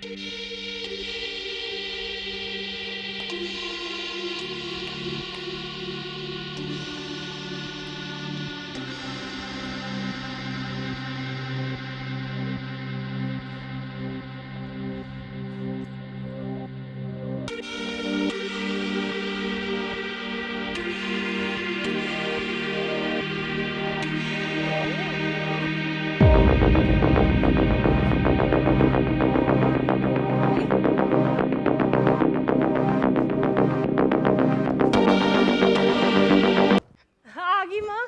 ਆ ਗਈ ਮਾਂ।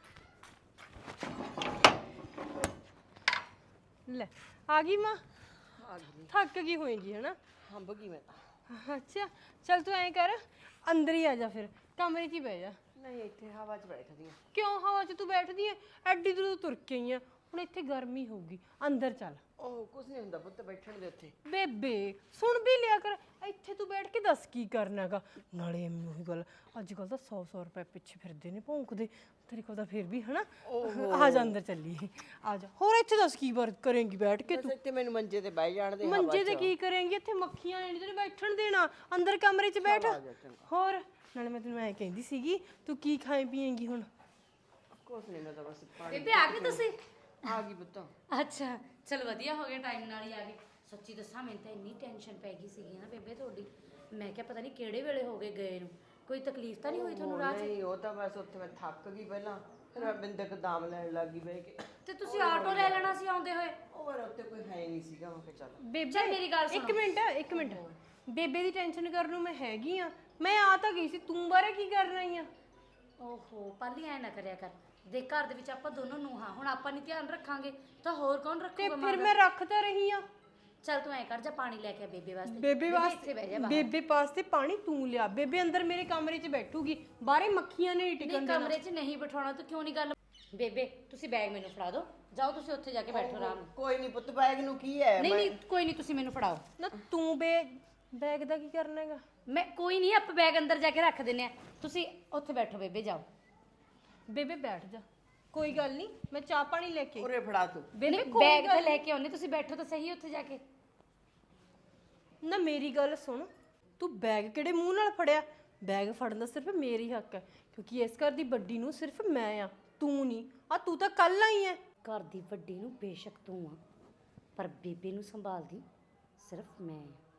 ਲੈ ਆ ਗਈ ਮਾਂ। ਆ ਗਈ। ਥੱਕ ਗਈ ਹੋਏਗੀ ਹਨਾ। ਹੰਬ ਗਈ ਮੈਂ ਤਾਂ। ਅੱਛਾ ਚੱਲ ਤੂੰ ਐਂ ਕਰ, ਅੰਦਰ ਹੀ ਆ ਜਾ, ਫਿਰ ਕਮਰੇ 'ਚ ਹੀ ਬਹਿ ਜਾ। ਨਹੀਂ ਇੱਥੇ ਹਵਾ 'ਚ ਬੈਠਦੀ ਆ। ਕਿਉਂ ਹਵਾ 'ਚ ਤੂੰ ਬੈਠਦੀ ਐ? ਐਡੀ ਦੂਰ ਤੁਰ ਕੇ ਆਈ ਆ, ਹੁਣ ਇੱਥੇ ਗਰਮੀ ਹੋਊਗੀ, ਅੰਦਰ ਚੱਲ। ਉਹ ਕੁਝ ਨਹੀਂ ਹੁੰਦਾ ਪੁੱਤ, ਬੈਠਣ ਦੇ ਉੱਥੇ। ਬੇਬੇ ਸੁਣ ਵੀ ਲਿਆ ਕਰ, ਇੱਥੇ ਤੂੰ ਬੈਠ ਕੇ ਦੱਸ ਕੀ ਕਰਨਾਗਾ। ਨਾਲੇ ਐਵੇਂ ਉਹੀ ਗੱਲ, ਅੱਜ ਕੱਲ ਤਾਂ 100 ਰੁਪਏ ਪਿੱਛੇ ਫਿਰਦੇ ਨੇ ਭੌਂਕਦੇ, ਤੇਰੇ ਕੋਲ ਤਾਂ ਫਿਰ ਵੀ ਹਨਾ। ਆ ਜਾ ਅੰਦਰ ਚੱਲੀਏ, ਆ ਜਾ। ਹੋਰ ਇੱਥੇ ਦੱਸ ਕੀ ਕਰੇਂਗੀ ਬੈਠ ਕੇ ਤੂੰ? ਇੱਥੇ ਮੈਨੂੰ ਮੰਜੇ ਤੇ ਬਹਿ ਜਾਣ ਦੇ। ਮੰਜੇ ਤੇ ਕੀ ਕਰੇਂਗੀ? ਇੱਥੇ ਮੱਖੀਆਂ ਨੇ ਤੈਨੂੰ ਬੈਠਣ ਦੇਣਾ, ਅੰਦਰ ਕਮਰੇ 'ਚ ਬੈਠ। ਹੋਰ ਨਾਲੇ ਮੈਂ ਤੈਨੂੰ ਐਂ ਕਹਿੰਦੀ ਸੀਗੀ, ਤੂੰ ਕੀ ਖਾਏ ਪੀਏਂਗੀ ਹੁਣ? ਕੁਝ ਨਹੀਂ, ਮੈਂ ਤਾਂ ਬਸ ਪਾਣੀ। ਬੇਬੇ ਆ ਗਈ ਤੁਸੀਂ? ਆ ਗਈ ਪੁੱਤ। ਅੱਛਾ ਚਲ ਵਧੀਆ ਹੋ ਗਿਆ, ਟਾਈਮ ਨਾਲ ਹੀ ਆ ਗਏ। ਸੱਚੀ ਦੱਸਾਂ ਮੈਨੂੰ ਤਾਂ ਇੰਨੀ ਟੈਨਸ਼ਨ ਪੈ ਗਈ ਸੀਗੀ ਨਾ ਬੇਬੇ ਤੁਹਾਡੀ। ਮੈਂ ਕਿਹਾ ਪਤਾ ਨਹੀਂ ਕਿਹੜੇ ਵੇਲੇ ਹੋ ਗਏ ਗਏ ਨੂੰ, ਕੋਈ ਤਕਲੀਫ ਤਾਂ ਨਹੀਂ ਹੋਈ ਤੁਹਾਨੂੰ ਰਾਹ 'ਚ? ਨਹੀਂ, ਉਹ ਤਾਂ ਬਸ ਉੱਥੇ ਮੈਂ ਥੱਕ ਗਈ ਪਹਿਲਾਂ, ਫਿਰ ਮੈਂ ਬਿੰਦਕ ਦਾਮ ਲੈਣ ਲੱਗ ਗਈ ਬਹਿ ਕੇ। ਤੇ ਤੁਸੀਂ ਆਟੋ ਲੈ ਲੈਣਾ ਸੀ ਆਉਂਦੇ ਹੋਏ। ਉਹ ਪਰ ਉੱਤੇ ਕੋਈ ਹੈ ਨਹੀਂ ਸੀਗਾ, ਮੈਂ ਕਿਹਾ ਚੱਲ। ਬੇਬੇ ਚੱਲ ਮੇਰੀ ਗੱਲ ਸੁਣੋ। ਇੱਕ ਮਿੰਟ ਬੇਬੇ ਦੀ ਟੈਨਸ਼ਨ ਕਰਨ ਨੂੰ ਮੈਂ ਹੈਗੀ ਆ। ਮੈਂ ਆ ਤਾਂ ਗਈ ਸੀ, ਤੂੰ ਬਾਰੇ ਕੀ ਕਰਨਾ ਹੀ ਆ? ਓਹੋ ਪਾਲੀ ਐ ਨਾ ਕਰਿਆ ਕਰ, ਦੇਖ ਘਰ ਦੇ ਵਿੱਚ ਆਪਾਂ ਦੋਨੋਂ ਨੂੰਹਾਂ, ਹੁਣ ਆਪਾਂ ਨਹੀਂ ਧਿਆਨ ਰੱਖਾਂਗੇ ਤਾਂ ਹੋਰ ਕੌਣ ਤੇ ਰੱਖੂਗਾ? ਫਿਰ ਮੈਂ ਰੱਖ ਤਾਂ ਰਹੀ ਆ। ਚੱਲ ਤੂੰ ਐ ਕਰ, ਜਾ ਪਾਣੀ ਲੈ ਕੇ ਆ ਬੇਬੇ ਵਾਸਤੇ। ਬੇਬੇ ਇੱਥੇ ਵਾਸਤੇ ਬਹਿ ਜਾ ਬਾਹਰ। ਬੇਬੇ ਵਾਸਤੇ ਪਾਣੀ ਤੂੰ ਲਿਆ। ਬੇਬੇ ਅੰਦਰ ਮੇਰੇ ਕਮਰੇ 'ਚ ਬੈਠੂਗੀ, ਬਾਹਰੇ ਮੱਖੀਆਂ ਨੇ ਟਿਕਣ ਨਹੀਂ ਦੇਣਾ। ਕਮਰੇ 'ਚ ਨਹੀਂ ਬਿਠਾਉਣਾ, ਤੂੰ ਕਿਉਂ ਨਹੀਂ ਗੱਲ? ਬੇਬੇ ਤੁਸੀਂ ਬੈਗ ਮੈਨੂੰ ਫੜਾ ਦਿਓ, ਜਾਓ ਤੁਸੀਂ ਉੱਥੇ ਜਾ ਕੇ ਬੈਠੋ ਆਰਾਮ ਨਾਲ। ਕੋਈ ਨਹੀਂ ਪੁੱਤ, ਬੈਗ ਨੂੰ ਕੀ ਹੈ? ਨਹੀਂ ਨਹੀਂ ਕੋਈ ਨਹੀਂ, ਤੁਸੀਂ ਮੈਨੂੰ ਫੜਾਓ ਨਾ ਤੂੰ ਬੈਗ ਦਾ ਕੀ ਕਰਨਾ ਹੈਗਾ? ਮੈਂ ਕੋਈ ਨਹੀਂ, ਆਪਾਂ ਬੈਗ ਅੰਦਰ ਜਾ ਕੇ ਰੱਖ ਦਿੰਨੇ ਆ, ਤੁਸੀਂ ਉੱਥੇ ਬੈਠੋ ਬੇਬੇ, ਜਾਓ। ਬੇਬੇ ਬੈਠ ਜਾ, ਕੋਈ ਗੱਲ ਨਹੀਂ, ਮੈਂ ਚਾਹ ਪਾਣੀ ਲੈ ਕੇ। ਉਰੇ ਫੜਾ ਤੂੰ। ਬੇਬੇ ਨਹੀਂ, ਕੋਈ ਬੈਗ ਤਾਂ ਗੱਲ ਲੈ ਕੇ ਆਉਨੇ, ਤੁਸੀਂ ਬੈਠੋ ਤਾਂ ਸਹੀ ਉੱਥੇ ਜਾ ਕੇ। ਨਾ ਮੇਰੀ ਗੱਲ ਸੁਣ, ਤੂੰ ਬੈਗ ਕਿਹੜੇ ਮੂੰਹ ਨਾਲ ਫੜਿਆ? ਬੈਗ ਫੜਨ ਦਾ ਸਿਰਫ ਮੇਰੀ ਹੱਕ ਹੈ, ਕਿਉਂਕਿ ਇਸ ਘਰ ਦੀ ਵੱਡੀ ਨੂੰ ਸਿਰਫ ਮੈਂ ਆ, ਤੂੰ ਨਹੀਂ। ਆ ਤੂੰ ਤਾਂ ਕੱਲ ਆਈ ਐ। ਘਰ ਦੀ ਵੱਡੀ ਨੂੰ ਬੇਸ਼ੱਕ ਤੂੰ ਆ, ਪਰ ਬੇਬੇ ਨੂੰ ਸੰਭਾਲਦੀ ਸਿਰਫ ਮੈਂ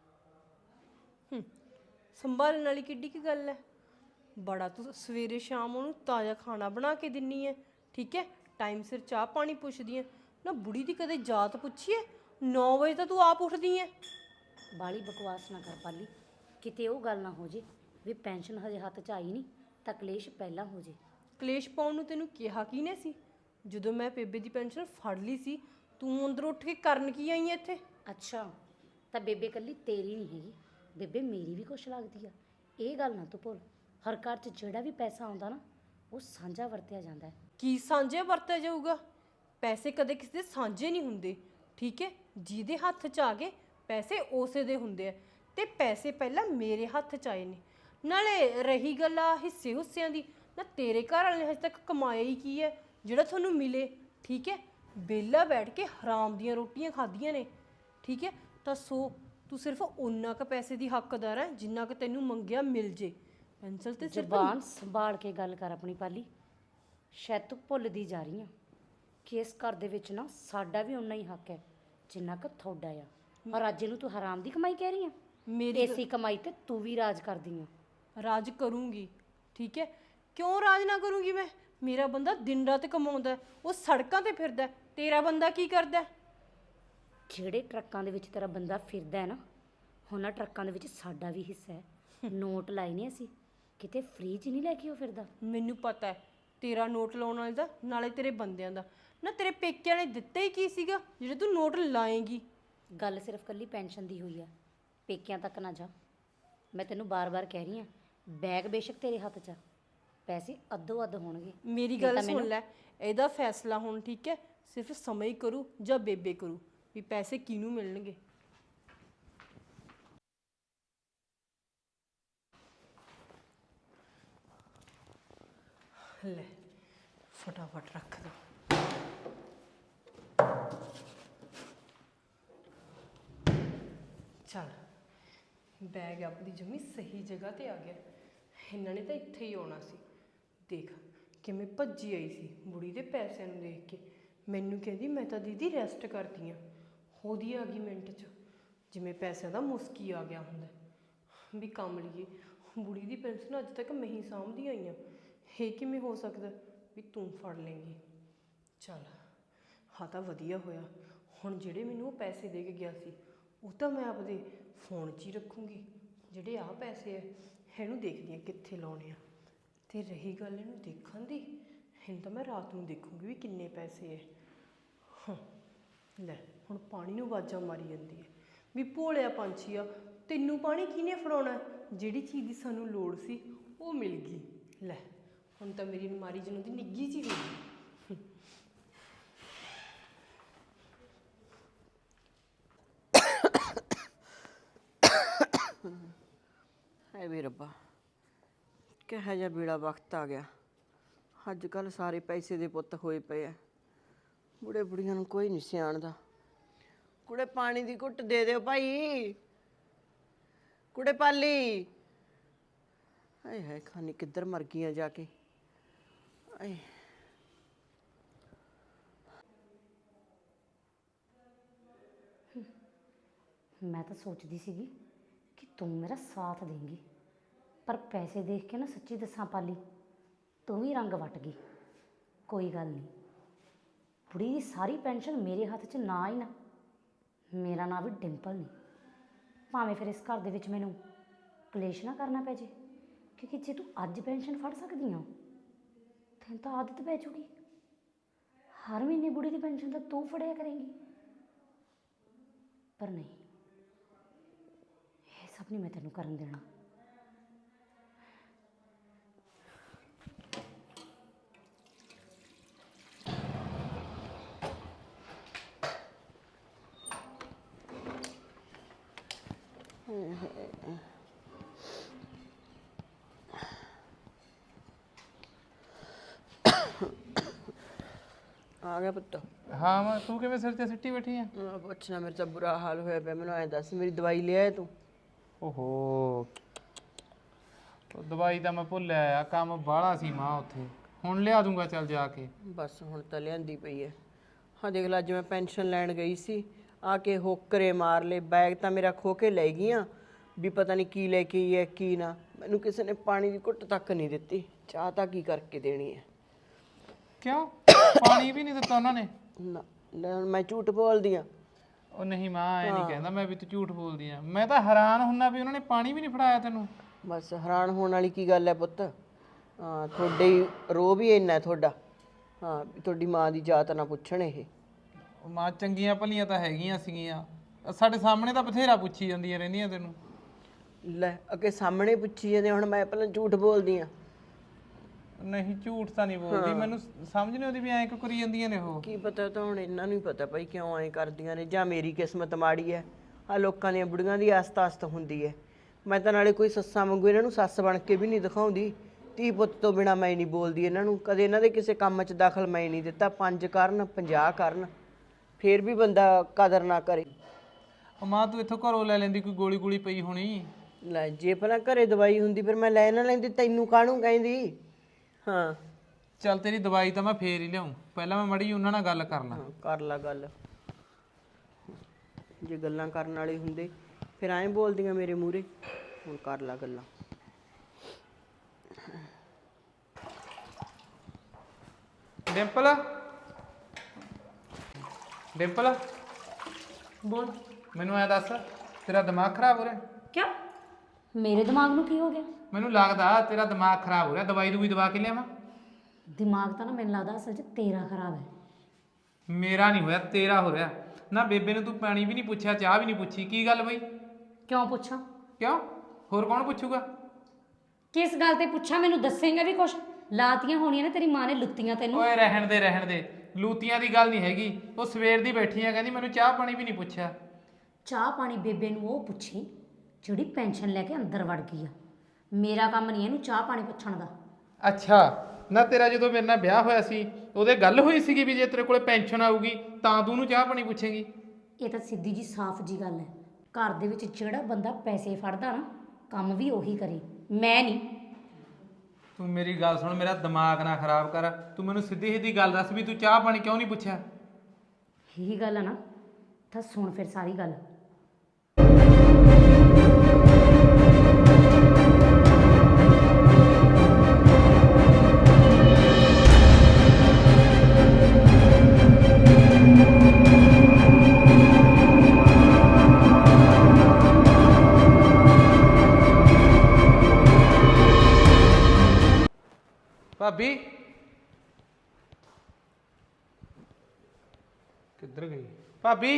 ਆ। ਸੰਭਾਲਣ ਵਾਲੀ ਕਿੱਡੀ ਕੀ ਗੱਲ ਹੈ? ਬੜਾ ਤੂੰ ਸਵੇਰੇ ਸ਼ਾਮ ਉਹਨੂੰ ਤਾਜ਼ਾ ਖਾਣਾ ਬਣਾ ਕੇ ਦਿੰਨੀ ਐ, ਠੀਕ ਹੈ, ਟਾਈਮ ਸਿਰ ਚਾਹ ਪਾਣੀ ਪੁੱਛਦੀ ਐ। ਨਾ ਬੁੜੀ ਦੀ ਕਦੇ ਜਾਤ ਪੁੱਛੀਏ? 9 ਵਜੇ ਤਾਂ ਤੂੰ ਆਪ ਉੱਠਦੀ ਐ। ਬਾਲੀ ਬਕਵਾਸ ਨਾ ਕਰ ਪਾਲੀ, ਕਿਤੇ ਉਹ ਗੱਲ ਨਾ ਹੋ ਜੇ ਵੀ ਪੈਨਸ਼ਨ ਹਜੇ ਹੱਥ 'ਚ ਆਈ ਨਹੀਂ ਤਾਂ ਕਲੇਸ਼ ਪਹਿਲਾਂ ਹੋ ਜੇ। ਕਲੇਸ਼ ਪਾਉਣ ਨੂੰ ਤੈਨੂੰ ਕਿਹਾ ਕਿਹਨੇ ਸੀ? ਜਦੋਂ ਮੈਂ ਬੇਬੇ ਦੀ ਪੈਨਸ਼ਨ ਫੜ ਲਈ ਸੀ, ਤੂੰ ਅੰਦਰ ਉੱਠ ਕੇ ਕਰਨ ਕੀ ਆਈ ਐ ਇੱਥੇ? ਅੱਛਾ ਤਾਂ ਬੇਬੇ ਕੱਲੀ ਤੇਰੀ ਨਹੀਂ ਹੈਗੀ, ਬੇਬੇ ਮੇਰੀ ਵੀ ਕੁਛ ਲੱਗਦੀ ਆ, ਇਹ ਗੱਲ ਨਾ ਤੂੰ ਭੁੱਲ। ਹਰ ਘਰ 'ਚ ਜਿਹੜਾ ਵੀ ਪੈਸਾ ਆਉਂਦਾ ਨਾ, ਉਹ ਸਾਂਝਾ ਵਰਤਿਆ ਜਾਂਦਾ ਹੈ। ਕੀ ਸਾਂਝੇ ਵਰਤਿਆ ਜਾਊਗਾ? ਪੈਸੇ ਕਦੇ ਕਿਸੇ ਦੇ ਸਾਂਝੇ ਨਹੀਂ ਹੁੰਦੇ, ਠੀਕ ਹੈ। ਜਿਹਦੇ ਹੱਥ 'ਚ ਆ ਗਏ ਪੈਸੇ ਉਸੇ ਦੇ ਹੁੰਦੇ ਆ, ਤੇ ਪੈਸੇ ਪਹਿਲਾਂ ਮੇਰੇ ਹੱਥ 'ਚ ਆਏ ਨੇ। ਨਾਲੇ ਰਹੀ ਗੱਲ ਆ ਹਿੱਸੇ ਹੁੱਸਿਆਂ ਦੀ, ਨਾ ਤੇਰੇ ਘਰ ਵਾਲੇ ਨੇ ਹਜੇ ਤੱਕ ਕਮਾਇਆ ਹੀ ਕੀ ਹੈ ਜਿਹੜਾ ਤੁਹਾਨੂੰ ਮਿਲੇ? ਠੀਕ ਹੈ, ਵਿਹਲਾ ਬੈਠ ਕੇ ਹਰਾਮ ਦੀਆਂ ਰੋਟੀਆਂ ਖਾਧੀਆਂ ਨੇ, ਠੀਕ ਹੈ। ਤਾਂ ਸੋ ਤੂੰ ਸਿਰਫ ਉਨਾ ਕੁ ਪੈਸੇ ਦੀ ਹੱਕਦਾਰ ਹੈ ਜਿੰਨਾ ਕੁ ਤੈਨੂੰ ਮੰਗਿਆ ਮਿਲ ਜੇ। ਪੈਨਸਲ ਤੇ ਸਿਰਫ ਜ਼ੁਬਾਨ ਸੰਭਾਲ ਕੇ ਗੱਲ ਕਰ ਆਪਣੀ ਪਾਲੀ, ਸ਼ਾਇਦ ਤੂੰ ਭੁੱਲਦੀ ਜਾ ਰਹੀ ਆ ਕਿ ਇਸ ਘਰ ਦੇ ਵਿੱਚ ਨਾ ਸਾਡਾ ਵੀ ਉਨਾ ਹੀ ਹੱਕ ਹੈ ਜਿੰਨਾ ਕੁ ਤੁਹਾਡਾ ਆ। ਔਰ ਅੱਜ ਨੂੰ ਤੂੰ ਹਰਾਮ ਦੀ ਕਮਾਈ ਕਹਿ ਰਹੀ ਆ? ਮੇਰੀ ਇਸੇ ਕਮਾਈ ਤੇ ਤੂੰ ਵੀ ਰਾਜ ਕਰਦੀ ਆ। ਰਾਜ ਕਰੂੰਗੀ, ਠੀਕ ਹੈ। ਕਿਉਂ ਰਾਜ ਨਾ ਕਰੂੰਗੀ ਮੈਂ? ਮੇਰਾ ਬੰਦਾ ਦਿਨ ਰਾਤ ਕਮਾਉਂਦਾ ਹੈ, ਉਹ ਸੜਕਾਂ ਤੇ ਫਿਰਦਾ ਹੈ। ਤੇਰਾ ਬੰਦਾ ਕੀ ਕਰਦਾ ਹੈ? ਜਿਹੜੇ ਟਰੱਕਾਂ ਦੇ ਵਿੱਚ ਤੇਰਾ ਬੰਦਾ ਫਿਰਦਾ ਹੈ ਨਾ, ਉਹਨਾਂ ਟਰੱਕਾਂ ਦੇ ਵਿੱਚ ਸਾਡਾ ਵੀ ਹਿੱਸਾ ਹੈ। ਨੋਟ ਲਾਏ ਨੇ ਅਸੀਂ, ਕਿਤੇ ਫ੍ਰੀ 'ਚ ਨਹੀਂ ਲੈ ਕੇ ਉਹ ਫਿਰਦਾ। ਮੈਨੂੰ ਪਤਾ ਹੈ ਤੇਰਾ ਨੋਟ ਲਾਉਣ ਵਾਲੇ ਦਾ, ਨਾਲੇ ਤੇਰੇ ਬੰਦਿਆਂ ਦਾ। ਨਾ ਤੇਰੇ ਪੇਕਿਆਂ ਨੇ ਦਿੱਤਾ ਹੀ ਕੀ ਸੀਗਾ ਜਿਹੜੇ ਤੂੰ ਨੋਟ ਲਾਏਂਗੀ? ਗੱਲ ਸਿਰਫ ਕੱਲੀ ਪੈਨਸ਼ਨ ਦੀ ਹੋਈ ਆ, ਪੇਕਿਆਂ ਤੱਕ ਨਾ ਜਾ। ਮੈਂ ਤੈਨੂੰ ਬਾਰ-ਬਾਰ ਕਹਿ ਰਹੀ ਆ, ਬੈਗ ਬੇਸ਼ੱਕ ਤੇਰੇ ਹੱਥ 'ਚ ਆ, ਪੈਸੇ ਅੱਧੋ ਅੱਧ ਹੋਣਗੇ। ਮੇਰੀ ਗੱਲ ਸੁਣ ਲੈ, ਇਹਦਾ ਫੈਸਲਾ ਹੁਣ, ਠੀਕ ਹੈ, ਸਿਰਫ ਸਮਝ ਕਰੂ ਜਾਂ ਬੇਬੇ ਕਰੂ ਵੀ ਪੈਸੇ ਕਿਹਨੂੰ ਮਿਲਣਗੇ। ਲੈ ਫਟਾਫਟ ਰੱਖ ਦੋ। ਚੱਲ ਬੈਗ ਆਪਣੀ ਜਮੀ ਸਹੀ ਜਗ੍ਹਾ ਤੇ ਆ ਗਿਆ। ਇਹਨਾਂ ਨੇ ਤਾਂ ਇੱਥੇ ਹੀ ਆਉਣਾ ਸੀ। ਦੇਖ ਕਿਵੇਂ ਭੱਜੀ ਆਈ ਸੀ ਬੁੜੀ ਦੇ ਪੈਸਿਆਂ ਨੂੰ ਦੇਖ ਕੇ। ਮੈਨੂੰ ਕਹਿੰਦੀ ਮੈਂ ਤਾਂ ਦੀਦੀ ਰੈਸਟ ਕਰਦੀ ਹਾਂ। ਉਹਦੀ ਆ ਗਈ ਮਿੰਟ 'ਚ, ਜਿਵੇਂ ਪੈਸਿਆਂ ਦਾ ਮੁਸਕੀ ਆ ਗਿਆ ਹੁੰਦਾ ਵੀ ਕੰਮ ਲਈਏ। ਬੁੜੀ ਦੀ ਪੈਨਸ਼ਨ ਅੱਜ ਤੱਕ ਮੈਂ ਹੀ ਸਾਂਭਦੀ ਆਈ ਹਾਂ। ਇਹ ਕਿਵੇਂ ਹੋ ਸਕਦਾ ਵੀ ਤੂੰ ਫੜ ਲੇਂਗੀ। ਚੱਲ ਹਾਂ ਤਾਂ ਵਧੀਆ ਹੋਇਆ। ਹੁਣ ਜਿਹੜੇ ਮੈਨੂੰ ਉਹ ਪੈਸੇ ਦੇ ਕੇ ਗਿਆ ਸੀ ਉਹ ਤਾਂ ਮੈਂ ਆਪਦੇ ਫੋਨ 'ਚ ਹੀ ਰੱਖੂੰਗੀ। ਜਿਹੜੇ ਆਹ ਪੈਸੇ ਆ ਇਹਨੂੰ ਦੇਖਦੀ ਹਾਂ ਕਿੱਥੇ ਲਾਉਣੇ ਆ। ਤੇ ਰਹੀ ਗੱਲ ਇਹਨੂੰ ਦੇਖਣ ਦੀ, ਇਹਨੂੰ ਤਾਂ ਮੈਂ ਰਾਤ ਨੂੰ ਦੇਖੂੰਗੀ ਵੀ ਕਿੰਨੇ ਪੈਸੇ ਹੈ। ਹਾਂ ਲੈ ਹੁਣ ਪਾਣੀ ਨੂੰ ਆਵਾਜ਼ਾਂ ਮਾਰੀ ਜਾਂਦੀ ਹੈ ਵੀ ਭੋਲਿਆ ਪੰਛੀ ਆ, ਤੈਨੂੰ ਪਾਣੀ ਕਿਹਨੇ ਫੜਾਉਣਾ। ਜਿਹੜੀ ਚੀਜ਼ ਦੀ ਸਾਨੂੰ ਲੋੜ ਸੀ ਉਹ ਮਿਲ ਗਈ। ਲੈ ਹੁਣ ਤਾਂ ਮੇਰੀ ਅਲਮਾਰੀ ਜਿਹਨੂੰ ਦੀ ਨਿੱਘੀ ਜਿਹੀ ਹੋ ਗਈ। ਹਾਏ ਵੇ ਰੱਬਾ, ਕਿਹੋ ਜਿਹਾ ਬੇੜਾ ਵਕਤ ਆ ਗਿਆ। ਅੱਜ ਕੱਲ੍ਹ ਸਾਰੇ ਪੈਸੇ ਦੇ ਪੁੱਤ ਹੋਏ ਪਏ ਆ। ਬੁੜੇ ਬੁੜੀਆਂ ਨੂੰ ਕੋਈ ਨਹੀਂ ਸਿਆਣਦਾ। ਕੁੜੇ ਪਾਣੀ ਦੀ ਘੁੱਟ ਦੇ ਦਿਓ ਭਾਈ। ਕੁੜੇ ਪਾਲੀ, ਹਾਏ ਹਾਏ ਖਾਨੀ ਕਿੱਧਰ ਮਰ ਗਈਆਂ ਜਾ ਕੇ। ਆਏ ਮੈਂ ਤਾਂ ਸੋਚਦੀ ਸੀਗੀ ਕਿ ਤੂੰ ਮੇਰਾ ਸਾਥ ਦੇਂਗੀ, ਪਰ ਪੈਸੇ ਦੇਖ ਕੇ ਨਾ ਸੱਚੀ ਦੱਸਾਂ ਪਾਲੀ, ਤੂੰ ਵੀ ਰੰਗ ਵੱਟ ਗਈ। ਕੋਈ ਗੱਲ ਨਹੀਂ, ਬੁੜੀ ਦੀ ਸਾਰੀ ਪੈਨਸ਼ਨ ਮੇਰੇ ਹੱਥ 'ਚ ਨਾ ਹੀ ਨਾ। ਮੇਰਾ ਨਾਂ ਵੀ ਡਿੰਪਲ ਨਹੀਂ। ਭਾਵੇਂ ਫਿਰ ਇਸ ਘਰ ਦੇ ਵਿੱਚ ਮੈਨੂੰ ਕਲੇਸ਼ ਨਾ ਕਰਨਾ ਪੈ ਜੇ, ਕਿਉਂਕਿ ਜੇ ਤੂੰ ਅੱਜ ਪੈਨਸ਼ਨ ਫੜ ਸਕਦੀ ਆ ਤੈਨੂੰ ਤਾਂ ਆਦਤ ਪੈ ਜੂਗੀ। ਹਰ ਮਹੀਨੇ ਬੁੜੀ ਦੀ ਪੈਨਸ਼ਨ ਤਾਂ ਤੂੰ ਫੜਿਆ ਕਰੇਂਗੀ। ਪਰ ਨਹੀਂ, ਇਹ ਸਭ ਨਹੀਂ ਮੈਂ ਤੈਨੂੰ ਕਰਨ ਦੇਣਾ। ਆ ਗਿਆ ਪੁੱਤ। ਹਾਂ ਮੈਂ ਤੂੰ ਕਿਵੇਂ ਸਿਰ ਤੇ ਸਿੱਟੀ ਬੈਠੀ ਆ? ਪੁੱਛਣਾ, ਮੇਰੇ ਤਾਂ ਬੁਰਾ ਹਾਲ ਹੋਇਆ ਪਿਆ। ਮੈਨੂੰ ਐਂ ਦੱਸ, ਮੇਰੀ ਦਵਾਈ ਲਿਆਇਆ ਤੂੰ? ਓਹੋ, ਉਹ ਦਵਾਈ ਤਾਂ ਮੈਂ ਭੁੱਲਿਆ ਆ, ਕੰਮ ਬਾਹਲਾ ਸੀ ਮਾਂ ਉੱਥੇ। ਹੁਣ ਲਿਆ ਦੂੰਗਾ ਚੱਲ ਜਾ ਕੇ। ਬਸ ਹੁਣ ਤਾਂ ਲਿਆਂਦੀ ਪਈ ਐ। ਹਾਂ ਦੇਖ ਲੈ, ਅੱਜ ਮੈਂ ਪੈਨਸ਼ਨ ਲੈਣ ਗਈ ਸੀ, ਆ ਕੇ ਹੋਕਰੇ ਮਾਰ ਲਏ। ਬੈਗ ਤਾਂ ਮੇਰਾ ਖੋ ਕੇ ਲੈ ਗਈਆਂ ਵੀ ਪਤਾ ਨਹੀਂ ਕੀ ਲੈ ਕੇ ਆਈ ਹੈ ਕੀ ਨਾ। ਮੈਨੂੰ ਕਿਸੇ ਨੇ ਪਾਣੀ ਦੀ ਘੁੱਟ ਤੱਕ ਨਹੀਂ ਦਿੱਤੀ। ਚਾਹ ਤਾਂ ਕੀ ਕਰਕੇ ਦੇਣੀ ਹੈ। ਕਿਉਂ ਪਾਣੀ ਵੀ ਨਹੀਂ ਦਿੱਤਾ ਉਹਨਾਂ ਨੇ? ਨਾ ਲੈ, ਹੁਣ ਮੈਂ ਝੂਠ ਬੋਲਦੀ ਆ? ਉਹ ਨਹੀਂ ਮਾਂ, ਐ ਨਹੀਂ ਕਹਿੰਦਾ ਮੈਂ ਵੀ ਤੂੰ ਝੂਠ ਬੋਲਦੀ ਆ। ਮੈਂ ਤਾਂ ਹੈਰਾਨ ਹੁੰਨਾ ਵੀ ਉਹਨਾਂ ਨੇ ਪਾਣੀ ਵੀ ਨਹੀਂ ਫੜਾਇਆ ਤੈਨੂੰ। ਬਸ ਹੈਰਾਨ ਹੋਣ ਵਾਲੀ ਕੀ ਗੱਲ ਹੈ ਪੁੱਤ। ਹਾਂ ਤੁਹਾਡੇ ਹੀ ਰੋਹ ਵੀ ਇੰਨਾ ਤੁਹਾਡਾ। ਹਾਂ ਵੀ ਤੁਹਾਡੀ ਮਾਂ ਦੀ ਜਾਤ ਨਾ ਪੁੱਛਣ ਇਹ। ਉਹ ਮਾਂ ਚੰਗੀਆਂ ਭਲੀਆਂ ਤਾਂ ਹੈਗੀਆਂ ਸੀਗੀਆਂ, ਸਾਡੇ ਸਾਹਮਣੇ ਤਾਂ ਬਥੇਰਾ ਪੁੱਛੀ ਜਾਂਦੀਆਂ ਰਹਿੰਦੀਆਂ ਤੈਨੂੰ। ਲੈ ਅੱਗੇ ਸਾਹਮਣੇ ਪੁੱਛੀ ਜਾਂਦੇ, ਹੁਣ ਮੈਂ ਪਹਿਲਾਂ ਝੂਠ ਬੋਲਦੀ ਆ? ਨਹੀਂ ਝੂਠ ਤਾਂ ਨਹੀਂ ਬੋਲਦੀ, ਮੈਨੂੰ ਸਮਝ ਨਹੀਂ ਆਉਂਦੀ ਵੀ ਐਂ ਕਿਉਂ ਕਰੀ ਜਾਂਦੀਆਂ ਨੇ ਉਹ। ਕੀ ਪਤਾ, ਤਾਂ ਹੁਣ ਇਹਨਾਂ ਨੂੰ ਹੀ ਪਤਾ ਭਾਈ ਕਿਉਂ ਐਂ ਕਰਦੀਆਂ ਨੇ। ਜਾਂ ਮੇਰੀ ਕਿਸਮਤ ਮਾੜੀ ਹੈ। ਆ ਲੋਕਾਂ ਦੀਆਂ ਬੁੜੀਆਂ ਦੀ ਆਸਤ ਹੁੰਦੀ ਹੈ। ਮੈਂ ਤਾਂ ਨਾਲੇ ਕੋਈ ਸੱਸਾਂ ਵਾਂਗੂ ਇਹਨਾਂ ਨੂੰ ਸੱਸ ਬਣ ਕੇ ਵੀ ਨਹੀਂ ਦਿਖਾਉਂਦੀ। ਧੀ ਪੁੱਤ ਤੋਂ ਬਿਨਾ ਮੈਂ ਨਹੀਂ ਬੋਲਦੀ ਇਹਨਾਂ ਨੂੰ। ਕਦੇ ਇਹਨਾਂ ਦੇ ਕਿਸੇ ਕੰਮ 'ਚ ਦਖਲ ਮੈਂ ਨਹੀਂ ਦਿੱਤਾ। 5 ਕਰਨ 50 ਕਰਨ ਫੇਰ ਵੀ ਬੰਦਾ ਕਦਰ ਨਾ ਕਰੇ। ਉਹ ਮਾਂ ਤੂੰ ਇੱਥੋਂ ਘਰੋਂ ਲੈ ਲੈਂਦੀ, ਕੋਈ ਗੋਲੀ ਗੋਲੀ ਪਈ ਹੋਣੀ। ਲੈ ਜੇ ਪਹਿਲਾਂ ਘਰੇ ਦਵਾਈ ਹੁੰਦੀ ਫਿਰ ਮੈਂ ਲੈ ਨਾ ਲੈਂਦੀ। ਤੈਨੂੰ ਕਾਹਨੂੰ ਕਹਿੰਦੀ? ਹਾਂ ਚੱਲ ਤੇਰੀ ਦਵਾਈ ਤਾਂ ਮੈਂ ਫੇਰ ਹੀ ਲਿਆਉਂ, ਪਹਿਲਾਂ ਮੈਂ ਮੜੀ ਉਹਨਾਂ ਨਾਲ ਗੱਲ ਕਰ ਲਾਂ। ਕਰ ਲਾ ਗੱਲ। ਜੇ ਗੱਲਾਂ ਕਰਨ ਵਾਲੇ ਹੁੰਦੇ ਫਿਰ ਐਂ ਬੋਲਦੀਆਂ ਮੇਰੇ ਮੂਹਰੇ। ਹੁਣ ਕਰ ਲਾ ਗੱਲਾਂ। ਡਿੰਪਲ, ਡਿੰਪਲ ਬੋਲ। ਮੈਨੂੰ ਐ ਦੱਸ, ਤੇਰਾ ਦਿਮਾਗ ਖਰਾਬ ਹੋ ਰਿਹਾ? ਕਿਉਂ? ਮੇਰੇ ਦਿਮਾਗ ਨੂੰ ਕੀ ਹੋ ਗਿਆ? ਮੈਨੂੰ ਲੱਗਦਾ ਤੇਰਾ ਦਿਮਾਗ ਖਰਾਬ ਹੋ ਰਿਹਾ। ਦਵਾਈ ਦੂਈ ਦਵਾ ਕੇ ਲਿਆਵਾਂ? ਦਿਮਾਗ ਤਾਂ ਨਾ ਮੈਨੂੰ ਲੱਗਦਾ ਅਸਲ 'ਚ ਤੇਰਾ ਖਰਾਬ ਹੈ। ਮੇਰਾ ਨਹੀਂ ਹੋਇਆ, ਤੇਰਾ ਹੋ ਰਿਹਾ। ਨਾ ਬੇਬੇ ਨੂੰ ਤੂੰ ਪਾਣੀ ਵੀ ਨਹੀਂ ਪੁੱਛਿਆ, ਚਾਹ ਵੀ ਨਹੀਂ ਪੁੱਛੀ। ਕੀ ਗੱਲ ਬਈ? ਕਿਉਂ ਪੁੱਛਾਂ? ਕਿਉਂ? ਹੋਰ ਕੌਣ ਪੁੱਛੂਗਾ? ਕਿਸ ਗੱਲ ਤੇ ਪੁੱਛਾਂ? ਮੈਨੂੰ ਦੱਸੇਂਗਾ ਵੀ ਕੁਛ? ਲਾਤੀਆਂ ਹੋਣੀਆਂ ਨੇ ਤੇਰੀ ਮਾਂ ਨੇ ਲੁੱਤੀਆਂ ਤੈਨੂੰ। ਓਏ ਰਹਿਣ ਦੇ ਰਹਿਣ ਦੇ, ਲੂਤੀਆਂ ਦੀ ਗੱਲ ਨਹੀਂ ਹੈਗੀ। ਉਹ ਸਵੇਰ ਦੀ ਬੈਠੀ ਆ, ਕਹਿੰਦੀ ਮੈਨੂੰ ਚਾਹ ਪਾਣੀ ਵੀ ਨਹੀਂ ਪੁੱਛਿਆ। ਚਾਹ ਪਾਣੀ ਬੇਬੇ ਨੂੰ ਉਹ ਪੁੱਛੀ ਜਿਹੜੀ ਪੈਨਸ਼ਨ ਲੈ ਕੇ ਅੰਦਰ ਵੜ ਗਈ ਆ। ਮੇਰਾ ਕੰਮ ਨਹੀਂ ਇਹਨੂੰ ਚਾਹ ਪਾਣੀ ਪੁੱਛਣ ਦਾ। ਅੱਛਾ, ਨਾ ਤੇਰਾ ਜਦੋਂ ਮੇਰੇ ਨਾਲ ਵਿਆਹ ਹੋਇਆ ਸੀ ਉਹਦੇ ਗੱਲ ਹੋਈ ਸੀਗੀ ਵੀ ਜੇ ਤੇਰੇ ਕੋਲੇ ਪੈਨਸ਼ਨ ਆਊਗੀ ਤਾਂ ਤੂੰ ਉਹਨੂੰ ਚਾਹ ਪਾਣੀ ਪੁੱਛੇਂਗੀ? ਇਹ ਤਾਂ ਸਿੱਧੀ ਜੀ ਸਾਫ਼ ਜੀ ਗੱਲ ਹੈ। ਘਰ ਦੇ ਵਿੱਚ ਜਿਹੜਾ ਬੰਦਾ ਪੈਸੇ ਫੜਦਾ ਨਾ ਕੰਮ ਵੀ ਉਹੀ ਕਰੇ, ਮੈਂ ਨਹੀਂ। ਤੂੰ ਮੇਰੀ ਗੱਲ ਸੁਣ, ਮੇਰਾ ਦਿਮਾਗ ਨਾ ਖਰਾਬ ਕਰ। ਤੂੰ ਮੈਨੂੰ ਸਿੱਧੀ ਸਿੱਧੀ ਗੱਲ ਦੱਸ ਵੀ ਤੂੰ ਚਾਹ ਪਾਣੀ ਕਿਉਂ ਨਹੀਂ ਪੁੱਛਿਆ? ਇਹੀ ਗੱਲ ਆ ਨਾ, ਤਾਂ ਸੁਣ ਫਿਰ ਸਾਰੀ ਗੱਲ। ਭਾਬੀ ਕਿੱਧਰ ਗਈ ਭਾਬੀ?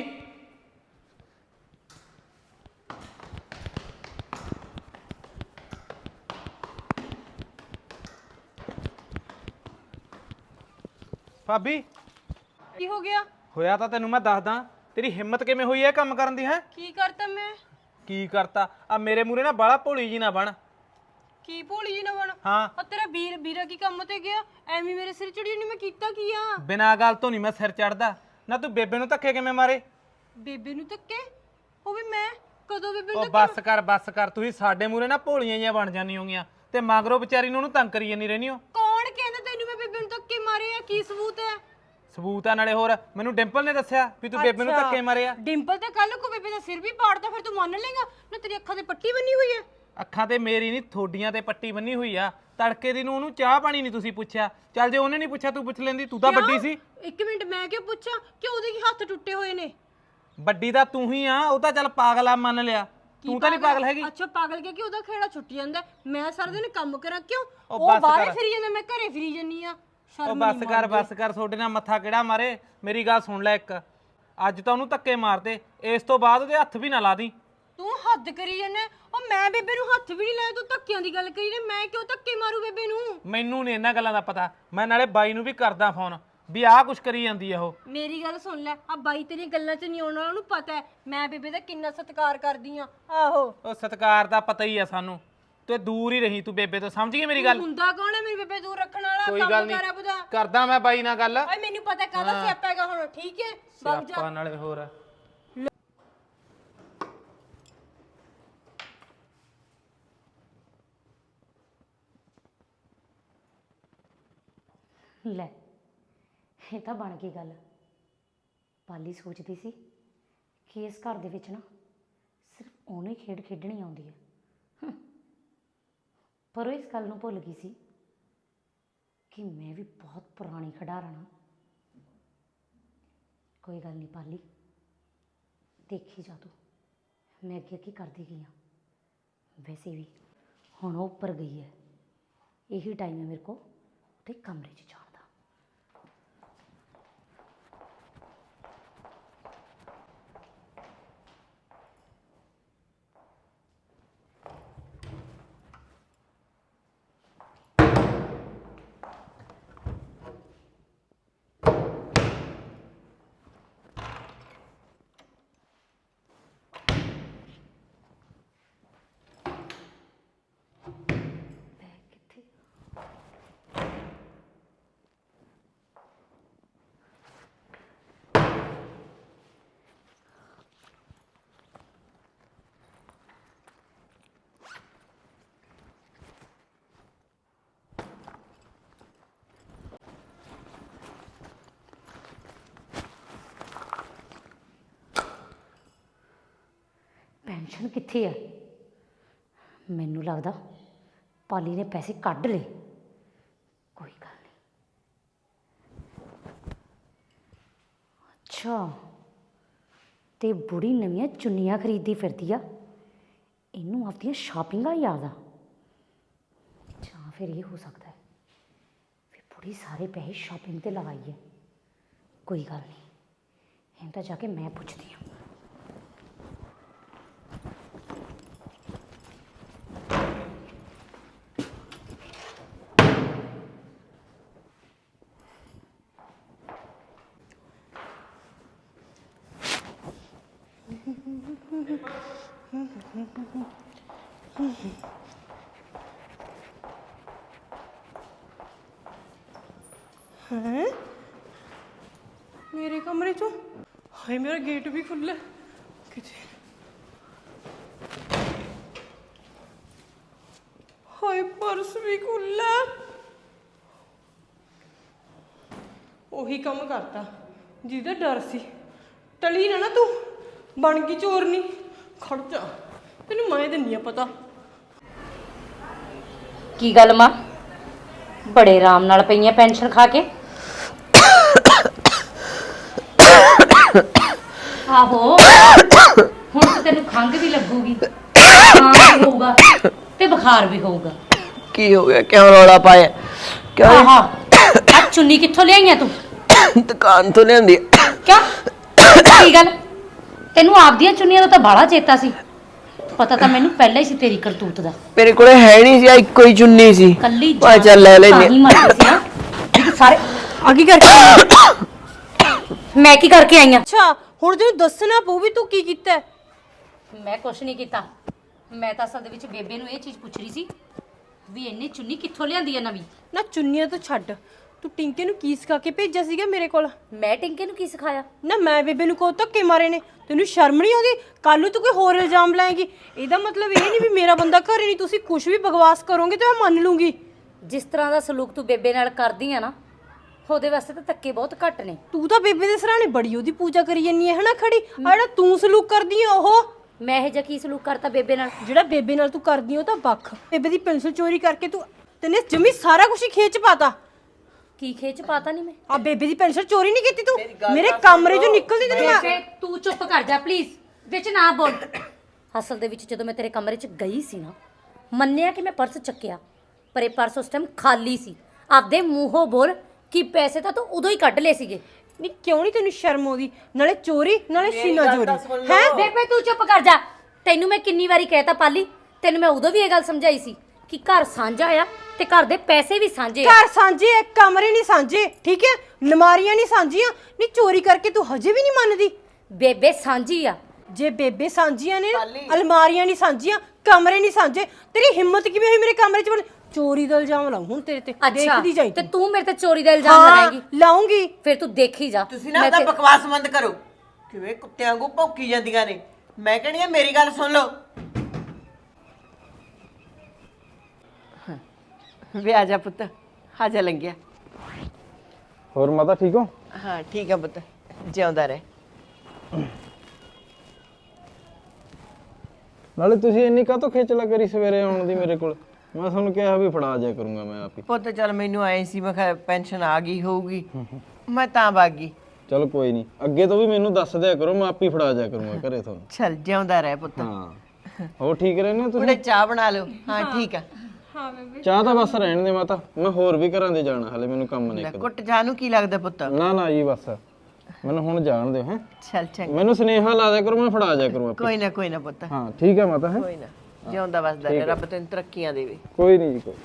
ਭਾਬੀ ਕੀ ਹੋ ਗਿਆ? ਹੋਇਆ ਤਾਂ ਤੈਨੂੰ ਮੈਂ ਦੱਸਦਾ। ਤੇਰੀ ਹਿੰਮਤ ਕਿਵੇਂ ਹੋਈ ਇਹ ਕੰਮ ਕਰਨ ਦੀ? ਹੈ ਕੀ ਕਰਤਾ ਮੈਂ? ਕੀ ਕਰਤਾ? ਆ ਮੇਰੇ ਮੂਰੇ ਨਾ ਬਾਲਾ ਭੋਲੀ ਜੀ ਨਾ ਬਣ। ਕੀ ਭੋਲੀ ਜੀ ਨਾ ਬਣ? ਹਾਂ, ਆ ਤੇਰਾ ਵੀਰਾ ਕੀ ਕੰਮ ਤੇ ਗਿਆ? ਐਵੇਂ ਮੇਰੇ ਸਿਰ ਚੜੀ ਨਹੀਂ, ਮੈਂ ਕੀਤਾ ਕੀ ਆ? ਬਿਨਾਂ ਗੱਲ ਤੋਂ ਨਹੀਂ ਮੈਂ ਸਿਰ ਚੜਦਾ ਨਾ। ਤੂੰ ਬੇਬੇ ਨੂੰ ਧੱਕੇ ਕਿਵੇਂ ਮਾਰੇ? ਬੇਬੇ ਨੂੰ ਧੱਕੇ? ਉਹ ਵੀ ਮੈਂ ਕਦੋਂ ਬੇਬੇ ਨੂੰ ਉਹ ਬੱਸ ਕਰ ਬੱਸ ਕਰ। ਤੁਸੀਂ ਸਾਡੇ ਮੂਰੇ ਨਾ ਭੋਲੀਆਂ ਜਿਹੀਆਂ ਬਣ ਜਾਂਦੀ ਹੋਗੀਆਂ ਤੇ ਮਗਰੋਂ ਵਿਚਾਰੀ ਨੂੰ ਉਹਨੂੰ ਤੰਗ ਕਰੀ ਜਾਂਦੀ ਰਹਿੰਦੀ ਹੋ। ਕੌਣ ਕਹਿੰਦਾ ਤੈਨੂੰ ਮੈਂ ਬੇਬੇ ਨੂੰ ਧੱਕੇ ਮਾਰੇ ਆ? ਕੀ ਸਬੂਤ ਹੈ? ਸਬੂਤ ਆ ਨਾਲੇ ਹੋਰ ਮੈਨੂੰ ਡਿੰਪਲ ਨੇ ਦੱਸਿਆ ਵੀ ਤੂੰ ਬੇਬੇ ਨੂੰ ਧੱਕੇ ਮਾਰੇ ਆ। ਡਿੰਪਲ ਤੇ ਕੱਲ ਕੋ ਬੇਬੇ ਦਾ ਸਿਰ ਵੀ ਪਾੜਦਾ, ਫਿਰ ਤੂੰ ਮੰਨ ਲੇਗਾ ਨਾ? ਤੇਰੀ ਅੱਖਾਂ ਤੇ ਪੱਟੀ ਬੰਨੀ ਹੋਈ ਹੈ। ਅੱਖਾਂ ਤੇ ਮੇਰੀ ਨਹੀਂ, ਥੋਡੀਆਂ ਤੇ ਪੱਟੀ ਬੰਨੀ ਹੋਈ ਆ। ਤੜਕੇ ਦੀ ਨੂੰ ਉਹਨੂੰ ਚਾਹ ਪਾਣੀ ਨਹੀਂ ਤੁਸੀਂ ਪੁੱਛਿਆ। ਚੱਲ ਜੇ ਉਹਨੇ ਨਹੀਂ ਪੁੱਛਿਆ ਤੂੰ ਪੁੱਛ ਲੈਂਦੀ, ਤੂੰ ਤਾਂ ਵੱਡੀ ਸੀ। ਇੱਕ ਮਿੰਟ, ਮੈਂ ਕਿਉਂ ਪੁੱਛਾਂ ਕਿ ਉਹਦੇ ਕੀ ਹੱਥ ਟੁੱਟੇ ਹੋਏ ਨੇ? ਵੱਡੀ ਤਾਂ ਤੂੰ ਹੀ ਆ। ਉਹ ਤਾਂ ਚੱਲ ਪਾਗਲ ਆ, ਮੰਨ ਲਿਆ। ਤੂੰ ਤਾਂ ਨਹੀਂ ਪਾਗਲ ਹੈਗੀ। ਅੱਛਾ ਪਾਗਲ ਕਿ ਉਹਦਾ ਖੇੜਾ ਛੁੱਟ ਜਾਂਦਾ। ਮੈਂ ਸਾਰਾ ਦਿਨ ਕੰਮ ਕਰਾਂ ਕਿਉਂ? ਉਹ ਉਹ ਬਸ ਬਾਹਰ ਕਰ। ਫਿਰੀ ਜਾਂਦਾ, ਮੈਂ ਘਰੇ ਫਿਰੀ ਜੰਨੀ ਆ। ਉਹ ਸ਼ਰਮ ਬੱਸ ਕਰ ਬੱਸ ਕਰ। ਤੁਹਾਡੇ ਨਾਲ ਮੱਥਾ ਕਿਹੜਾ ਮਾਰੇ? ਮੇਰੀ ਗੱਲ ਸੁਣ ਲੈ ਇੱਕ। ਅੱਜ ਤਾਂ ਉਹਨੂੰ ਧੱਕੇ ਮਾਰਤੇ, ਇਸ ਤੋਂ ਬਾਅਦ ਉਹਦੇ ਹੱਥ ਵੀ ਨਾ ਲਾ ਦੀ। ਤੂੰ ਹੱਦ ਕਰੀ ਜਾਂਦਾ। ਉਹ ਮੈਂ ਬੇਬੇ ਨੂੰ ਹੱਥ ਵੀ ਨਹੀਂ ਲਾਇਆ, ਤੂੰ ਧੱਕਿਆਂ ਦੀ ਗੱਲ ਕਰੀ ਨੇ। ਮੈਂ ਕਿਉਂ ਧੱਕੇ ਮਾਰੂ ਬੇਬੇ ਨੂੰ? ਮੈਨੂੰ ਨਹੀਂ ਇਹਨਾਂ ਗੱਲਾਂ ਦਾ ਪਤਾ। ਮੈਂ ਨਾਲੇ ਬਾਈ ਨੂੰ ਵੀ ਕਰਦਾ ਫੋਨ ਵੀ ਆਹ ਕੁਛ ਕਰੀ ਜਾਂਦੀ ਆ ਉਹ। ਮੇਰੀ ਗੱਲ ਸੁਣ ਲੈ, ਆ ਬਾਈ ਤੇਰੀਆਂ ਗੱਲਾਂ 'ਚ ਨਹੀਂ ਆਉਣ ਵਾਲਾ। ਉਹਨੂੰ ਪਤਾ ਹੈ ਮੈਂ ਬੇਬੇ ਦਾ ਕਿੰਨਾ ਸਤਿਕਾਰ ਕਰਦੀ ਆ। ਆਹੋ, ਉਹ ਸਤਿਕਾਰ ਦਾ ਪਤਾ ਹੀ ਆ ਸਾਨੂੰ। ਤੇ ਦੂਰ ਹੀ ਰਹੀ ਤੂੰ ਬੇਬੇ ਤੋਂ, ਸਮਝ ਗਈ ਮੇਰੀ ਗੱਲ? ਹੁੰਦਾ ਕੌਣ ਹੈ ਮੇਰੀ ਬੇਬੇ ਦੂਰ ਰੱਖਣ ਵਾਲਾ? ਕੋਈ ਗੱਲ ਕੰਮ ਨਹੀਂ, ਕਰ ਆਪਦਾ। ਕਰਦਾ ਮੈਂ ਬਾਈ ਨਾਲ ਗੱਲ। ਓਏ ਮੈਨੂੰ ਪਤਾ ਕਾਹਦਾ ਸਿਆਪਾ ਹੈਗਾ ਹੁਣ, ਠੀਕ ਹੈ? ਵਗ ਜਾ। ਸਿਆਪਾ ਨਾਲੇ ਹੋਰ। ਲੈ, ਇਹ ਤਾਂ ਬਣ ਗਈ ਗੱਲ। ਪਾਲੀ ਸੋਚਦੀ ਸੀ ਕਿ ਇਸ ਘਰ ਦੇ ਵਿੱਚ ਨਾ ਸਿਰਫ ਉਹਨੇ ਖੇਡ ਖੇਡਣੀ ਆਉਂਦੀ ਹੈ, ਪਰ ਉਹ ਇਸ ਗੱਲ ਨੂੰ ਭੁੱਲ ਗਈ ਸੀ ਕਿ ਮੈਂ ਵੀ ਬਹੁਤ ਪੁਰਾਣੀ ਖਿਡਾਰਨ ਹਾਂ। ਕੋਈ ਗੱਲ ਨਹੀਂ ਪਾਲੀ, ਦੇਖੀ ਜਾ ਤੂੰ ਮੈਂ ਅੱਗੇ ਕੀ ਕਰਦੀ ਗਈ ਹਾਂ। ਵੈਸੇ ਵੀ ਹੁਣ ਉਹ ਉੱਪਰ ਗਈ ਹੈ, ਇਹੀ ਟਾਈਮ ਹੈ ਮੇਰੇ ਕੋਲ ਉਹਦੇ ਕਮਰੇ 'ਚ ਜਾਣ ਦਾ। ਬੈਗ ਕਿੱਥੇ? ਪੈਨਸ਼ਨ ਕਿੱਥੇ ਹੈ? ਮੈਨੂੰ ਲੱਗਦਾ ਪਾਲੀ ਨੇ ਪੈਸੇ ਕੱਢ ਲਏ। ਕੋਈ ਗੱਲ ਨਹੀਂ। ਅੱਛਾ, ਤੇ ਬੁੜੀ ਨਵੀਆਂ ਚੁੰਨੀਆਂ ਖਰੀਦਦੀ ਫਿਰਦੀ ਆ। ਇਹਨੂੰ ਆਪਦੀਆਂ ਸ਼ਾਪਿੰਗਾਂ ਯਾਦ ਆ, ਜਾਂ ਫਿਰ ਇਹ ਹੋ ਸਕਦਾ ਹੈ ਵੀ ਬੁੜੀ ਸਾਰੇ ਪੈਸੇ ਸ਼ਾਪਿੰਗ ਤੇ ਲਗਾਈ ਹੈ। ਕੋਈ ਗੱਲ ਨਹੀਂ, ਇਹਨੂੰ ਤਾਂ ਜਾ ਕੇ ਮੈਂ ਪੁੱਛਦੀ ਹਾਂ। ਹੈ ਮੇਰੇ ਕਮਰੇ ਚੋਂ? ਹਾਏ, ਮੇਰਾ ਗੇਟ ਵੀ ਖੁੱਲ੍ਹਾ ਕਿਤੇ। ਪਰਸ ਵੀ ਖੁੱਲਾ। ਉਹੀ ਕੰਮ ਕਰਤਾ ਜਿਹਦਾ ਡਰ ਸੀ। ਟਲੀ ਨਾ ਤੂੰ, ਬਣ ਗਈ ਚੋਰਨੀ। ਖੜ ਜਾ, ਤੈਨੂੰ ਮੈਂ ਦਿੰਨੀ ਆ ਪਤਾ। ਕੀ ਗੱਲ ਮਾਂ, ਬੜੇ ਆਰਾਮ ਨਾਲ ਪਈਆਂ ਪੈਨਸ਼ਨ ਖਾ ਕੇ? ਆਹੋ, ਹੁਣ ਤਾਂ ਤੈਨੂੰ ਖੰਘ ਵੀ ਲੱਗੂਗੀ, ਖਾਂਸੀ ਵੀ ਹੋਊਗਾ ਤੇ ਬੁਖਾਰ ਵੀ ਹੋਊਗਾ। ਕੀ ਹੋ ਗਿਆ? ਕਿਉਂ ਰੌਲਾ ਪਾਇਆ? ਕਿਉਂ? ਆਹਾ, ਆ ਚੁੰਨੀ ਕਿੱਥੋਂ ਲਿਆਈਆਂ ਤੂੰ? ਦੁਕਾਨ ਤੋਂ ਲਿਆਂਦੀ ਆ। ਕਿਉਂ? ਕੀ ਗੱਲ, ਤੈਨੂੰ ਆਪਦੀਆਂ ਚੁੰਨੀਆਂ ਦਾ ਤਾਂ ਬਾਹਲਾ ਚੇਤਾ ਸੀ। ਪਤਾ ਤਾਂ ਮੈਨੂੰ ਪਹਿਲਾਂ ਹੀ ਸੀ ਤੇਰੀ ਕਰਤੂਤ ਦਾ। ਮੇਰੇ ਕੋਲੇ ਹੈ ਨਹੀਂ ਸੀ, ਇੱਕੋ ਹੀ ਚੁੰਨੀ ਸੀ। ਕੱਲੀ ਮੈਂ ਚੱਲ ਲੈ ਲੈਨੇ। ਤਾਂ ਹੀ ਮਰਦੀ ਸੀ ਨਾ ਵੀ ਤੂੰ ਸਾਰੇ ਆ ਕੀ ਕਰਕੇ ਆਈ? ਮੈਂ ਕੀ ਕਰਕੇ ਆਈ ਆ? ਅੱਛਾ, ਹੁਣ ਤੈਨੂੰ ਦੱਸਣਾ ਪਊ ਵੀ ਤੂੰ ਕੀ ਕੀਤਾ ਹੈ। ਮੈਂ ਕੁਛ ਨਹੀਂ ਕੀਤਾ। ਮੈਂ ਤਾਂ ਅਸਲ ਦੇ ਵਿੱਚ ਬੇਬੇ ਨੂੰ ਇਹ ਚੀਜ਼ ਪੁੱਛ ਰਹੀ ਸੀ ਵੀ ਇੰਨੀ ਚੁੰਨੀ ਕਿੱਥੋਂ ਲਿਆਂਦੀ ਆ ਨਵੀਂ। ਨਾ ਚੁੰਨੀਆਂ ਤੋਂ ਛੱਡ, ਤੂੰ ਟਿੰਕੇ ਨੂੰ ਕੀ ਸਿਖਾ ਕੇ ਭੇਜਿਆ ਸੀਗਾ ਮੇਰੇ ਕੋਲ? ਮੈਂ ਟਿੰਕੇ ਨੂੰ ਕੀ ਸਿਖਾਇਆ? ਨਾ ਮੈਂ ਬੇਬੇ ਨੂੰ ਕੋ ਧੱਕੇ ਮਾਰੇ ਨੇ। ਤੈਨੂੰ ਸ਼ਰਮ ਨਹੀਂ ਆਉਂਦੀ? ਕੱਲ ਨੂੰ ਤੂੰ ਕੋਈ ਹੋਰ ਇਲਜ਼ਾਮ ਲਾਏਗੀ। ਇਹਦਾ ਮਤਲਬ ਇਹ ਨਹੀਂ ਵੀ ਮੇਰਾ ਬੰਦਾ ਘਰੇ ਨਹੀਂ, ਤੁਸੀਂ ਕੁਝ ਵੀ ਬਕਵਾਸ ਕਰੋਗੇ ਤੇ ਮੈਂ ਮੰਨ ਲੂੰਗੀ। ਜਿਸ ਤਰ੍ਹਾਂ ਦਾ ਸਲੂਕ ਤੂੰ ਬੇਬੇ ਨਾਲ ਕਰਦੀ ਆ ਨਾ, ਉਹਦੇ ਵਾਸਤੇ ਤਾਂ ਧੱਕੇ ਬਹੁਤ ਘੱਟ ਨੇ। ਤੂੰ ਤਾਂ ਬੇਬੇ ਦੇ ਸਰਾਣੇ ਬੜੀ ਉਹਦੀ ਪੂਜਾ ਕਰੀ ਜੰਨੀ ਹੈ ਹਨਾ ਖੜੀ। ਆ ਜਿਹੜਾ ਤੂੰ ਸਲੂਕ ਕਰਦੀ ਆ ਉਹ, ਮੈਂ ਇਹ ਜਿਹਾ ਕੀ ਸਲੂਕ ਕਰਤਾ ਬੇਬੇ ਨਾਲ? ਜਿਹੜਾ ਬੇਬੇ ਨਾਲ ਤੂੰ ਕਰਦੀ ਆ ਉਹ ਤਾਂ ਵੱਖ। ਬੇਬੇ ਦੀ ਪੈਨਸਲ ਚੋਰੀ ਕਰਕੇ ਤੈਨੇ ਜਮੀ ਸਾਰਾ ਕੁਝ ਹੀ ਖੇਚ ਪਾਤਾ। ਕੀ ਖੇਚ ਪਾਤਾ ਨਹੀਂ ਮੈਂ? ਆ ਬੇਬੇ ਦੀ ਪੈਨਸਲ ਚੋਰੀ ਨਹੀਂ ਕੀਤੀ ਤੂੰ? ਮੇਰੇ ਕਮਰੇ ਚੋਂ ਨਿਕਲਦੀ ਤੈਨੂੰ ਮੈਂ। ਬੇਬੇ ਤੂੰ ਚੁੱਪ ਕਰ ਜਾ ਪਲੀਜ਼, ਵਿੱਚ ਨਾ ਬੋਲ। ਅਸਲ ਦੇ ਵਿੱਚ ਜਦੋਂ ਮੈਂ ਤੇਰੇ ਕਮਰੇ 'ਚ ਗਈ ਸੀ ਨਾ, ਮੰਨਿਆ ਕਿ ਮੈਂ ਪਰਸ ਚੱਕਿਆ, ਪਰ ਇਹ ਪਰਸ ਉਸ ਟਾਈਮ ਖਾਲੀ ਸੀ। ਆਪਦੇ ਮੂੰਹੋਂ ਬੋਲ ਕਿ ਪੈਸੇ ਤਾਂ ਤੂੰ ਉਦੋਂ ਹੀ ਕੱਢ ਲਏ ਸੀਗੇ। ਨਹੀਂ ਕਿਉਂ ਨਹੀਂ ਤੈਨੂੰ ਸ਼ਰਮ ਆਉਂਦੀ? ਨਾਲੇ ਚੋਰੀ ਨਾਲੇ ਸੀਨਾ ਚੋਰੀ ਹੈ। ਬੇਬੇ ਤੂੰ ਚੁੱਪ ਕਰ ਜਾ। ਤੈਨੂੰ ਮੈਂ ਕਿੰਨੀ ਵਾਰੀ ਕਹਿਤਾ ਪਾਲੀ, ਤੈਨੂੰ ਮੈਂ ਉਦੋਂ ਵੀ ਇਹ ਗੱਲ ਸਮਝਾਈ ਸੀ ਕਿ ਘਰ ਸਾਂਝਾ ਆ ਤੇ ਘਰ ਦੇ ਪੈਸੇ ਵੀ ਸਾਂਝੇ ਆ। ਘਰ ਸਾਂਝੇ ਆ, ਕਮਰੇ ਨਹੀਂ ਸਾਂਝੇ, ਠੀਕ ਹੈ? ਨਮਾਰੀਆਂ ਨਹੀਂ ਸਾਂਝੀਆਂ। ਨਹੀਂ ਚੋਰੀ ਕਰਕੇ ਤੂੰ ਹਜੇ ਵੀ ਨਹੀਂ ਮੰਨਦੀ? ਬੇਬੇ ਸਾਂਝੀ ਆ। ਜੇ ਬੇਬੇ ਸਾਂਝੀਆਂ ਨੇ, ਅਲਮਾਰੀਆਂ ਨਹੀਂ ਸਾਂਝੀਆਂ, ਕਮਰੇ ਨਹੀਂ ਸਾਂਝੇ, ਤੇਰੀ ਹਿੰਮਤ ਕਿਵੇਂ ਹੋਈ ਮੇਰੇ ਕਮਰੇ 'ਚ ਚੋਰੀ ਦਾ ਇਲਜ਼ਾਮ ਲਾਉਂ ਹੁਣ ਤੇਰੇ ਤੇ? ਦੇਖਦੀ ਜਾਈ ਤੇ ਤੂੰ ਮੇਰੇ ਤੇ ਚੋਰੀ ਦਾ ਇਲਜ਼ਾਮ ਲਗਾਏਂਗੀ? ਲਾਉਂਗੀ। ਫਿਰ ਤੂੰ ਦੇਖੀ ਜਾ। ਤੁਸੀਂ ਨਾ ਉਹਦਾ ਬਕਵਾਸ ਬੰਦ ਕਰੋ। ਕਿਵੇਂ ਕੁੱਤਿਆਂ ਵਾਂਗੂ ਭੌਂਕੀ ਜਾਂਦੀਆਂ ਨੇ। ਮੈਂ ਕਹਿੰਦੀ ਆ ਮੇਰੀ ਗੱਲ ਸੁਣ ਲਓ। ਵੇ ਆ ਜਾ ਪੁੱਤ, ਆ ਜਾ ਲੰਗਿਆ। ਹੋਰ ਮਾਤਾ ਠੀਕ ਹੋ? ਹਾਂ ਠੀਕ ਆ ਪੁੱਤ, ਜਿਉਂਦਾ ਰਹਿ। ਨਾਲੇ ਤੁਸੀਂ ਇੰਨੀ ਕਾਹਤੋਂ ਖੇਚਲਾ ਕਰੀ ਸਵੇਰੇ ਆਉਣ ਦੀ ਮੇਰੇ ਕੋਲ? ਮੈਂ ਤੁਹਾਨੂੰ ਕਿਹਾ ਵੀ ਫੜਾ ਜਾ ਕਰੂੰਗਾ ਮੈਂ ਆਪ ਹੀ। ਪੁੱਤ ਚੱਲ ਮੈਨੂੰ ਆਏ ਸੀ, ਮੈਂ ਕਿਹਾ ਪੈਨਸ਼ਨ ਆ ਗਈ ਹੋਊਗੀ, ਮੈਂ ਤਾਂ ਵਗ ਗਈ। ਚਲ ਕੋਈ ਨਹੀਂ, ਅੱਗੇ ਤੋਂ ਵੀ ਮੈਨੂੰ ਦੱਸ ਦਿਆ ਕਰੋ, ਮੈਂ ਆਪ ਹੀ ਫੜਾ ਜਾ ਕਰੂੰਗਾ ਘਰੇ ਤੁਹਾਨੂੰ। ਚੱਲ ਜਿਉਂਦਾ ਰਹਿ ਪੁੱਤ। ਹਾਂ ਹੋਰ ਠੀਕ ਰਹਿੰਦੇ ਹੋ ਉਹਨੇ ਤੁਸੀਂ? ਚਾਹ ਬਣਾ ਲਓ। ਹਾਂ ਠੀਕ ਆ। ਚਾਹ ਤਾਂ ਬਸ ਰਹਿਣ ਦੇ ਮਾਤਾ, ਮੈਂ ਹੋਰ ਵੀ ਘਰਾਂ ਦੇ ਜਾਣਾ, ਹਲੇ ਮੈਨੂੰ ਕੰਮ ਨੇ ਲੈ, ਇੱਕ। ਕੁੱਟ ਚਾਹ ਨੂੰ ਕੀ ਲੱਗਦਾ ਪੁੱਤ? ਨਾ ਨਾ ਜੀ ਬਸ ਮੈਨੂੰ ਹੁਣ ਜਾਣ ਦਿਓ ਹੈ। ਚੱਲ ਚੰਗਾ। ਮੈਨੂੰ ਸੁਨੇਹਾ ਲਾ ਦਿਆ ਕਰੋ, ਮੈਂ ਫੜਾ ਜਾ ਕਰੂੰ ਆਪ ਹੀ। ਕੋਈ ਨਾ ਪੁੱਤ, ਹਾਂ ਠੀਕ ਹੈ ਮਾਤਾ ਹੈ। ਕੋਈ ਨਾ, ਜਿਉਂਦਾ ਵਸਦਾ ਰਹਿ, ਰੱਬ ਤੈਨੂੰ ਤਰੱਕੀਆਂ ਦੇਵੇ। ਕੋਈ ਨਹੀਂ ਜੀ ਕੋਈ।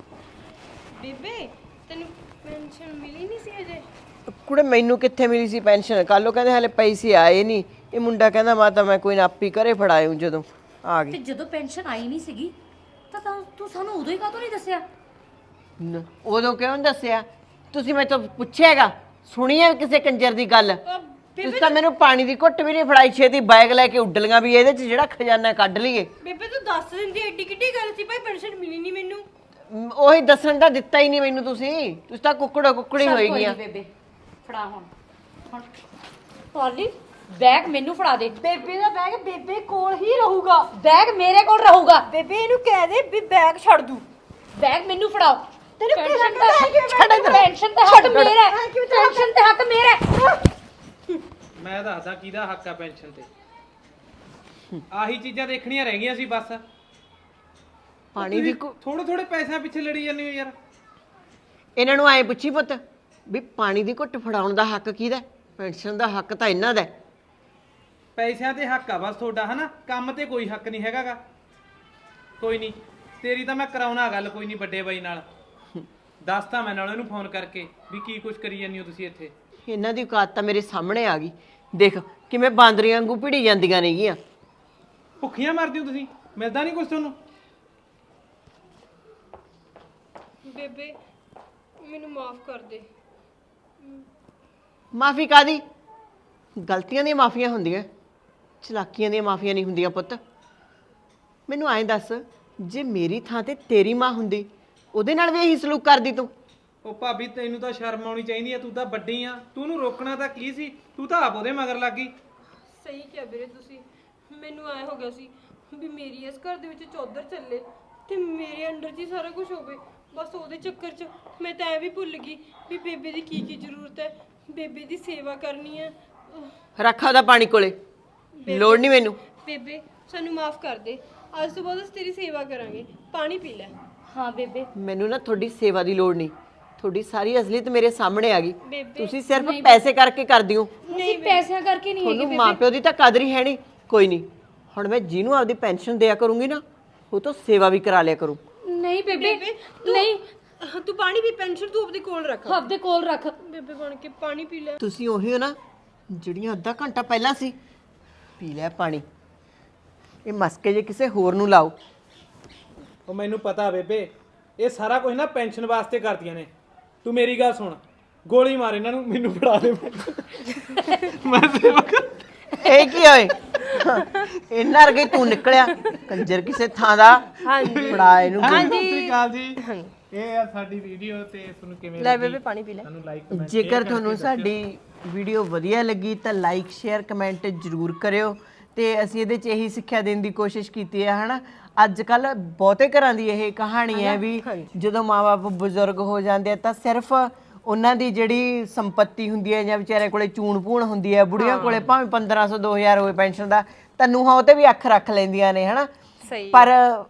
ਬੇਬੇ ਤੈਨੂੰ ਪੈਨਸ਼ਨ ਮਿਲੀ ਨਹੀਂ ਸੀ ਅਜੇ? ਕੁੜੇ ਮੈਨੂੰ ਕਿੱਥੇ ਮਿਲੀ ਸੀ ਪੈਨਸ਼ਨ? ਕੱਲ ਉਹ ਕਹਿੰਦੇ ਹਲੇ ਪੈਸੇ ਆਏ ਨਹੀਂ। ਇਹ ਮੁੰਡਾ ਕਹਿੰਦਾ ਮਾਤਾ ਮੈਂ ਕੋਈ ਨਾ ਆਪੀ ਘਰੇ ਫੜਾਇਉ ਜਦੋਂ ਆ ਤੇ ਗਈ। ਜਦੋਂ ਪੈਨਸ਼ਨ ਆਈ ਨਹੀਂ ਸੀਗੀ ਤਾਂ ਤੂੰ ਸਾਨੂੰ ਉਦੋਂ ਹੀ ਕਾਹਤੋਂ ਨਹੀਂ ਦੱਸਿਆ? ਉਦੋਂ ਕਿਉਂ ਨੀ ਦੱਸਿਆ? ਤੁਸੀਂ ਮੈਂ ਤਾਂ ਪੁੱਛਿਆਗਾ, ਸੁਣੀ ਹੈ ਕਿਸੇ ਕੰਜਰ ਦੀ ਗੱਲ? ਤੁਸੀਂ ਤਾਂ ਮੈਨੂੰ ਪਾਣੀ ਦੀ ਘੁੱਟ ਵੀ ਨਹੀਂ ਫੜਾਈ, ਛੇਤੀ ਬੈਗ ਲੈ ਕੇ ਉੱਡ ਲੀਆਂ ਵੀ ਇਹਦੇ 'ਚ ਜਿਹੜਾ ਖਜ਼ਾਨਾ ਕੱਢ ਲਈਏ। ਬੇਬੇ ਤੂੰ ਦੱਸ ਦਿੰਦੀ, ਐਡੀ ਕਿੱਡੀ ਗੱਲ ਸੀ ਭਾਈ, ਪੈਨਸ਼ਨ ਮਿਲੀ ਨਹੀਂ ਮੈਨੂੰ। ਉਹੀ ਦੱਸਣ ਦਾ ਦਿੱਤਾ ਹੀ ਨਹੀਂ ਮੈਨੂੰ ਤੁਸੀਂ ਤਾਂ ਕੁੱਕੜੀ ਚੱਲ ਹੋਈ ਕੋਈ ਗਈਆਂ। ਨੀ ਬੇਬੇ, ਫੜਾ ਹੁਣ ਪਾਲੀ ਬੈਗ ਮੈਨੂੰ ਫੜਾ ਦੇ। ਬੇਬੇ ਦਾ ਬੈਗ ਬੇਬੇ ਕੋਲ ਹੀ ਰਹੂਗਾ। ਬੈਗ ਮੇਰੇ ਕੋਲ ਰਹੂਗਾ। ਬੇਬੇ ਇਹਨੂੰ ਕਹਿ ਦੇ ਵੀ ਬੈਗ ਛੱਡ ਦੂ। ਬੈਗ ਮੈਨੂੰ ਫੜਾਓ। ਤੈਨੂੰ ਕੀ ਪੈਨਸ਼ਨ ਲੱਗਦਾ ਹੈ ਕਿ ਛੱਡ ਮੈਂ- ਪੈਨਸ਼ਨ ਤੇ ਹੱਕ ਮੇਰਾ ਹੈ। ਪੈਨਸ਼ਨ ਤੇ ਹੱਕ ਮੇਰਾ ਹੈ। ਮੈਂ ਦੱਸਦਾ ਕਿਹਦਾ ਹੱਕ ਆ ਪੈਨਸ਼ਨ ਤੇ। ਆਹੀ ਚੀਜ਼ਾਂ ਦੇਖਣੀਆਂ ਰਹਿ ਗਈਆਂ ਸੀ ਬਸ। ਪਾਣੀ ਦੀ ਥੋੜੇ ਥੋੜੇ ਪੈਸਿਆਂ ਪਿੱਛੇ ਲੜੀ ਜਾਂਦੇ ਹੋ ਯਾਰ। ਇਹਨਾਂ ਨੂੰ ਐਂ ਪੁੱਛੀ ਪੁੱਤ ਵੀ ਪਾਣੀ ਦੀ ਘੁੱਟ ਫੜਾਉਣ ਦਾ ਹੱਕ ਕਿਹਦਾ? ਪੈਨਸ਼ਨ ਦਾ ਹੱਕ ਤਾਂ ਇਹਨਾਂ ਦਾ। ਪੈਸਿਆਂ ਤੇ ਹੱਕ ਆ ਬਸ ਤੁਹਾਡਾ, ਹਨਾ? ਕੰਮ ਤੇ ਕੋਈ ਹੱਕ ਨਹੀਂ ਹੈਗਾਗਾ। ਕੋਈ ਨਹੀਂ, ਤੇਰੀ ਤਾਂ ਮੈਂ ਕਰਾਉਣਾ ਗੱਲ, ਕੋਈ ਨਹੀਂ ਵੱਡੇ ਬਾਈ ਨਾਲ। ਦੱਸਤਾ ਮੈਂ ਨਾਲ ਇਹਨੂੰ ਫੋਨ ਕਰਕੇ ਵੀ ਕੀ ਕੁਛ ਕਰੀ ਜਾਂਦੀ ਹੋ ਤੁਸੀਂ ਇੱਥੇ। ਇਹਨਾਂ ਦੀ ਔਕਾਤ ਤਾਂ ਮੇਰੇ ਸਾਹਮਣੇ ਆ ਗਈ। ਦੇਖ ਕਿਵੇਂ ਬਾਂਦਰੀਆਂ ਵਾਂਗੂ ਭਿੜੀ ਜਾਂਦੀਆਂ ਨੇਗੀਆਂ। ਭੁੱਖੀਆਂ ਮਰਦੀ ਹੋ ਤੁਸੀਂ, ਮਿਲਦਾ ਨਹੀਂ ਕੁਛ ਤੁਹਾਨੂੰ? ਬੇਬੇ ਮੈਨੂੰ ਮਾਫ ਕਰ ਦੇ। ਮਾਫੀ ਕਾਦੀ? ਗਲਤੀਆਂ ਦੀਆਂ ਮਾਫੀਆਂ ਹੁੰਦੀਆਂ, ਚਲਾਕੀਆਂ ਦੀਆਂ ਮਾਫੀਆਂ ਨਹੀਂ ਹੁੰਦੀਆਂ ਪੁੱਤ। ਮੈਨੂੰ ਐਂ ਦੱਸ, ਜੇ ਮੇਰੀ ਥਾਂ ਤੇ ਤੇਰੀ ਮਾਂ ਹੁੰਦੀ ਉਹਦੇ ਨਾਲ ਵੀ ਇਹੀ ਸਲੂਕ ਕਰਦੀ ਤੂੰ? ਉਹ ਭਾਬੀ ਤੈਨੂੰ ਤਾਂ ਸ਼ਰਮ ਆਉਣੀ ਚਾਹੀਦੀ ਆ, ਤੂੰ ਤਾਂ ਵੱਡੀ ਆ, ਤੂੰ ਉਹਨੂੰ ਰੋਕਣਾ ਤਾਂ ਕੀ ਸੀ, ਤੂੰ ਤਾਂ ਆਪ ਉਹਦੇ ਮਗਰ ਲੱਗ ਗਈ। ਸਹੀ ਕਿਹਾ ਵੀਰੇ ਤੁਸੀਂ। ਮੈਨੂੰ ਐ ਹੋ ਗਿਆ ਸੀ ਵੀ ਮੇਰੀ ਇਸ ਘਰ ਦੇ ਵਿੱਚ ਚੌਧਰ ਚੱਲੇ ਤੇ ਮੇਰੇ ਅੰਡਰ 'ਚ ਹੀ ਸਾਰਾ ਕੁਝ ਹੋਵੇ। ਬਸ ਉਹਦੇ ਚੱਕਰ 'ਚ ਮੈਂ ਤਾਂ ਐ ਵੀ ਭੁੱਲ ਗਈ ਵੀ ਬੇਬੇ ਦੀ ਕੀ ਕੀ ਜ਼ਰੂਰਤ ਹੈ, ਬੇਬੇ ਦੀ ਸੇਵਾ ਕਰਨੀ ਹੈ। ਰੱਖਾ ਉਹਦਾ ਪਾਣੀ ਕੋਲੇ, ਲੋੜ ਨਹੀਂ ਮੈਨੂੰ। ਬੇਬੇ ਸਾਨੂੰ ਮਾਫ ਕਰ ਦੇ, ਅੱਜ ਤੋਂ ਬਾਅਦ ਅਸੀਂ ਤੇਰੀ ਸੇਵਾ ਕਰਾਂਗੇ। ਪਾਣੀ ਪੀ ਲੈ। ਹਾਂ ਬੇਬੇ। ਮੈਨੂੰ ਨਾ ਤੁਹਾਡੀ ਸੇਵਾ ਦੀ ਲੋੜ ਨਹੀਂ, ਤੁਹਾਡੀ ਸਾਰੀ ਅਸਲੀਅਤ ਮੇਰੇ ਸਾਹਮਣੇ ਆ ਗਈ। ਬੇਬੇ ਤੁਸੀਂ ਸਿਰਫ ਪੈਸੇ ਕਰਕੇ ਕਰਦੀ ਹੋ। ਨਹੀਂ ਪੈਸਿਆਂ ਕਰਕੇ ਨਹੀਂ ਤੁਹਾਨੂੰ ਮਾਪਿਓ ਦੀ ਤਾਂ ਕਦਰ ਹੀ ਹੈ ਨਹੀਂ। ਕੋਈ ਨਹੀਂ, ਹੁਣ ਮੈਂ ਜਿਹਨੂੰ ਆਪਦੀ ਪੈਨਸ਼ਨ ਦਿਆ ਕਰੂੰਗੀ ਨਾ, ਉਹ ਤੋਂ ਸੇਵਾ ਵੀ ਕਰਾ ਲਿਆ ਕਰੂੰ। ਨਹੀਂ ਬੇਬੇ ਨਹੀਂ, ਤੂੰ ਪਾਣੀ ਵੀ ਪੈਨਸ਼ਨ ਤੂੰ ਆਪਣੇ ਕੋਲ ਰੱਖ। ਆਪਦੇ ਕੋਲ ਰੱਖ। ਬੇਬੇ ਬਣ ਕੇ ਪਾਣੀ ਪੀ ਲੈ। ਤੁਸੀਂ ਉਹੀ ਹੋ ਨਾ ਜਿਹੜੀਆਂ ਅੱਧਾ ਘੰਟਾ ਪਹਿਲਾਂ ਸੀ। ਪੀ ਲਿਆ ਪਾਣੀ। ਇਹ ਮਸਕੇ ਜੇ ਕਿਸੇ ਹੋਰ ਨੂੰ ਲਾਓ। ਉਹ ਮੈਨੂੰ ਪਤਾ ਬੇਬੇ, ਇਹ ਸਾਰਾ ਕੁਝ ਨਾ ਪੈਨਸ਼ਨ ਵਾਸਤੇ ਕਰਦੀਆਂ ਨੇ। ਤੂੰ ਮੇਰੀ ਗੱਲ ਸੁਣ, ਗੋਲੀ ਮਾਰ ਇਹਨਾਂ ਨੂੰ, ਮੈਨੂੰ ਫੜਾ ਦੇ। ਮੈਂ ਸੇਵਾ ਕਰ। ਇਹ ਕੀ ਹੋਏ? ਇਹਨਾਂ ਵਰਗੇ ਤੂੰ ਨਿਕਲਿਆ ਕੰਜਰ ਕਿਸੇ ਥਾਂ ਦਾ। ਹਾਂਜੀ ਫੜਾ ਇਹਨੂੰ। ਸਤਿ ਸ਼੍ਰੀ ਅਕਾਲ ਜੀ। ਇਹ ਆ ਸਾਡੀ ਵੀਡੀਓ ਤੇ ਤੁਹਾਨੂੰ ਕਿਵੇਂ ਲੈ ਬੇਬੇ ਪਾਣੀ ਪੀ ਲੈ। ਤੁਹਾਨੂੰ ਲਾਈਕ ਜੇਕਰ ਤੁਹਾਨੂੰ ਸਾਡੀ ਵੀਡੀਓ ਵਧੀਆ ਲੱਗੀ ਤਾਂ ਲਾਈਕ ਸ਼ੇਅਰ ਕਮੈਂਟ ਜ਼ਰੂਰ ਕਰਿਓ। ਤੇ ਅਸੀਂ ਇਹਦੇ 'ਚ ਇਹੀ ਸਿੱਖਿਆ ਦੇਣ ਦੀ ਕੋਸ਼ਿਸ਼ ਕੀਤੀ ਹੈ ਹਨਾ। ਅੱਜ ਕੱਲ ਬਹੁਤੇ ਘਰਾਂ ਦੀ ਇਹ ਕਹਾਣੀ ਹੈ ਵੀ ਜਦੋਂ ਮਾਂ-ਬਾਪ ਬਜ਼ੁਰਗ ਹੋ ਜਾਂਦੇ ਆ ਤਾਂ ਸਿਰਫ ਉਹਨਾਂ ਦੀ ਜਿਹੜੀ ਸੰਪਤੀ ਹੁੰਦੀ ਹੈ ਜਾਂ ਵਿਚਾਰੇ ਕੋਲੇ ਚੂਣ-ਪੂਣ ਹੁੰਦੀ ਹੈ, ਬੁੜੀਆਂ ਕੋਲੇ ਭਾਵੇਂ 1500 2000 ਹੋਵੇ ਪੈਨਸ਼ਨ ਦਾ, ਤਾਂ ਨੂੰਹਾਂ ਉਹ ਤੇ ਵੀ ਅੱਖ ਰੱਖ ਲੈਂਦੀਆਂ ਨੇ ਹਨਾ। ਪਰ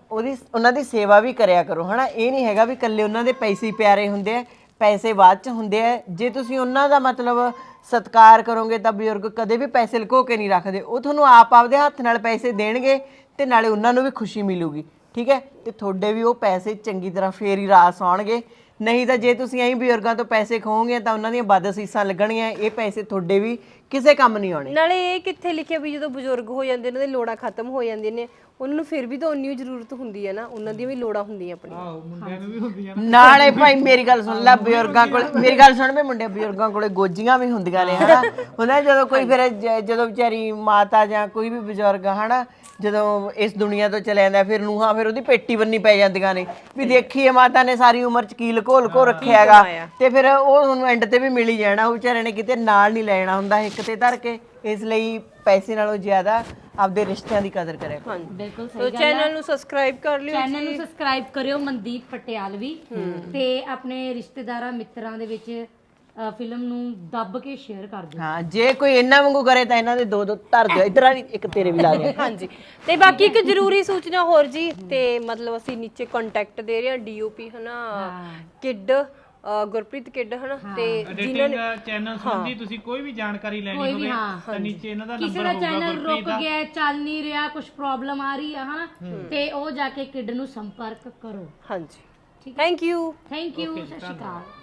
ਉਹਨਾਂ ਦੀ ਸੇਵਾ ਵੀ ਕਰਿਆ ਕਰੋ ਹਨਾ। ਇਹ ਨਹੀਂ ਹੈਗਾ ਵੀ ਇਕੱਲੇ ਉਹਨਾਂ ਦੇ ਪੈਸੇ ਹੀ ਪਿਆਰੇ ਹੁੰਦੇ ਆ, ਪੈਸੇ ਬਾਅਦ ਚ ਹੁੰਦੇ ਆ। ਜੇ ਤੁਸੀਂ ਉਹਨਾਂ ਦਾ ਮਤਲਬ ਸਤਿਕਾਰ ਕਰੋਗੇ ਤਾਂ ਬਜ਼ੁਰਗ ਕਦੇ ਵੀ ਪੈਸੇ ਲੁਕੋ ਕੇ ਨਹੀਂ ਰੱਖਦੇ। ਉਹ ਤੁਹਾਨੂੰ ਆਪ ਆਪਦੇ ਹੱਥ ਨਾਲ ਪੈਸੇ ਦੇਣਗੇ ਤੇ ਨਾਲੇ ਉਹਨਾਂ ਨੂੰ ਵੀ ਖੁਸ਼ੀ ਮਿਲੂਗੀ। ਠੀਕ ਹੈ, ਤੇ ਤੁਹਾਡੇ ਵੀ ਉਹ ਪੈਸੇ ਚੰਗੀ ਤਰ੍ਹਾਂ ਫੇਰ ਹੀ ਰਾਸ ਆਉਣਗੇ। ਨਹੀਂ ਤਾਂ ਜੇ ਤੁਸੀਂ ਐਂ ਬਜ਼ੁਰਗਾਂ ਤੋਂ ਪੈਸੇ ਖੋਹੋਗੇ ਤਾਂ ਉਹਨਾਂ ਦੀਆਂ ਬਦਅਸੀਸਾਂ ਲੱਗਣਗੀਆਂ। ਇਹ ਪੈਸੇ ਤੁਹਾਡੇ ਵੀ ਕਿਸੇ ਕੰਮ ਨਹੀਂ ਆਉਣੇ। ਨਾਲੇ ਇਹ ਕਿੱਥੇ ਲਿਖਿਆ ਵੀ ਜਦੋਂ ਬਜ਼ੁਰਗ ਹੋ ਜਾਂਦੇ ਉਹਨਾਂ ਦੀ ਲੋੜਾਂ ਖਤਮ ਹੋ ਜਾਂਦੀਆਂ ਨੇ, ਉਹਨਾਂ ਨੂੰ ਫਿਰ ਵੀ ਤਾਂ ਉਨੀ ਜ਼ਰੂਰਤ ਹੁੰਦੀ ਹੈ ਨਾ, ਉਹਨਾਂ ਦੀਆਂ ਵੀ ਲੋੜਾਂ ਹੁੰਦੀਆਂ ਆਪਣੀਆਂ। ਆਹੋ ਮੁੰਡਿਆਂ ਨੂੰ ਵੀ ਹੁੰਦੀਆਂ। ਨਾਲੇ ਭਾਈ ਮੇਰੀ ਗੱਲ ਸੁਣ ਲੈ, ਬਜ਼ੁਰਗਾਂ ਕੋਲ ਮੇਰੀ ਗੱਲ ਸੁਣ, ਮੈਂ ਮੁੰਡੇ ਬਜ਼ੁਰਗਾਂ ਕੋਲੇ ਗੋਜੀਆਂ ਵੀ ਹੁੰਦੀਆਂ ਨੇ ਹਨਾ। ਉਹਨਾਂ ਜਦੋਂ ਕੋਈ ਫਿਰ ਜਦੋਂ ਵਿਚਾਰੀ ਮਾਤਾ ਜਾਂ ਕੋਈ ਵੀ ਬਜ਼ੁਰਗ ਹਨਾ ਜਦੋਂ ਇਸ ਦੁਨੀਆ ਤੋਂ ਚਲੇ ਜਾਂਦਾ, ਫਿਰ ਨੂੰਹਾਂ ਫਿਰ ਉਹਦੀ ਪੇਟੀ ਬੰਨੀ ਪੈ ਜਾਂਦੀਆਂ ਨੇ ਵੀ ਦੇਖੀਏ ਮਾਤਾ ਨੇ ਸਾਰੀ ਉਮਰ ਚ ਕੀ ਲੁਕੋ ਲੁਕੋ ਰੱਖਿਆ ਹੈਗਾ। ਤੇ ਫਿਰ ਉਹ ਉਹਨੂੰ ਐਂਡ ਤੇ ਵੀ ਮਿਲ ਹੀ ਜਾਣਾ। ਉਹ ਵਿਚਾਰੇ ਨੇ ਕਿਤੇ ਨਾਲ ਨਹੀਂ ਲੈਣਾ ਹੁੰਦਾ ਇੱਕ ਤੇ ਧਰ ਕੇ। ਇਸ ਲਈ ਪੈਸੇ ਨਾਲੋਂ ਜ਼ਿਆਦਾ ਆਪਦੇ ਰਿਸ਼ਤਿਆਂ ਦੀ ਕਦਰ ਕਰਿਆ ਕਰੋ। ਬਿਲਕੁਲ ਸੋ ਚੈਨਲ ਨੂੰ ਸਬਸਕ੍ਰਾਈਬ ਕਰ ਲਿਓ। ਚੈਨਲ ਨੂੰ ਸਬਸਕ੍ਰਾਈਬ ਕਰਿਓ ਮਨਦੀਪ ਪਟਿਆਲਵੀ, ਤੇ ਆਪਣੇ ਰਿਸ਼ਤੇਦਾਰਾਂ ਮਿੱਤਰਾਂ ਦੇ ਵਿੱਚ ਫਿਲਮ ਨੂੰ ਦੱਬ ਕੇ ਸ਼ੇਅਰ ਕਰ ਦਿਓ। ਹਾਂ, ਜੇ ਕੋਈ ਇਹਨਾਂ ਵਾਂਗੂ ਕਰੇ ਤਾਂ ਇਹਨਾਂ ਦੇ ਦੋ ਦੋ ਧਰ ਦਿਓ। ਇਧਰ ਵਾਲੀ ਇੱਕ ਤੇਰੇ ਵੀ ਲਾ ਦਿਓ। ਹਾਂਜੀ, ਤੇ ਬਾਕੀ ਇੱਕ ਜ਼ਰੂਰੀ ਸੂਚਨਾ ਹੋਰ ਜੀ, ਤੇ ਮਤਲਬ ਅਸੀਂ ਨੀਚੇ ਕੰਟੈਕਟ ਦੇ ਰਹੇ ਹਾਂ ਡੀਓਪੀ ਹਨਾ, ਕਿੱਡ ਗੁਰਪ੍ਰੀਤ ਕਿੱਡ ਹਨਾ, ਤੇ ਜਿਨ੍ਹਾਂ ਨੇ ਚੈਨਲ ਸੰਬੰਧੀ ਤੁਸੀਂ ਕੋਈ ਵੀ ਜਾਣਕਾਰੀ ਲੈਣੀ ਹੋਵੇ ਤਾਂ ਨੀਚੇ ਇਹਨਾਂ ਦਾ ਕਿਸੇ ਦਾ ਚੈਨਲ ਰੁਕ ਗਿਆ, ਚੱਲ ਨਹੀਂ ਰਿਹਾ, ਕੁਝ ਪ੍ਰੋਬਲਮ ਆ ਰਹੀ ਆ ਹਨਾ, ਤੇ ਉਹ ਜਾ ਕੇ ਕਿੱਡ ਨੂੰ ਸੰਪਰਕ ਕਰੋ। ਹਾਂਜੀ, ਥੈਂਕ ਯੂ। Thank you. ਸਤਿ ਸ਼੍ਰੀ ਅਕਾਲ।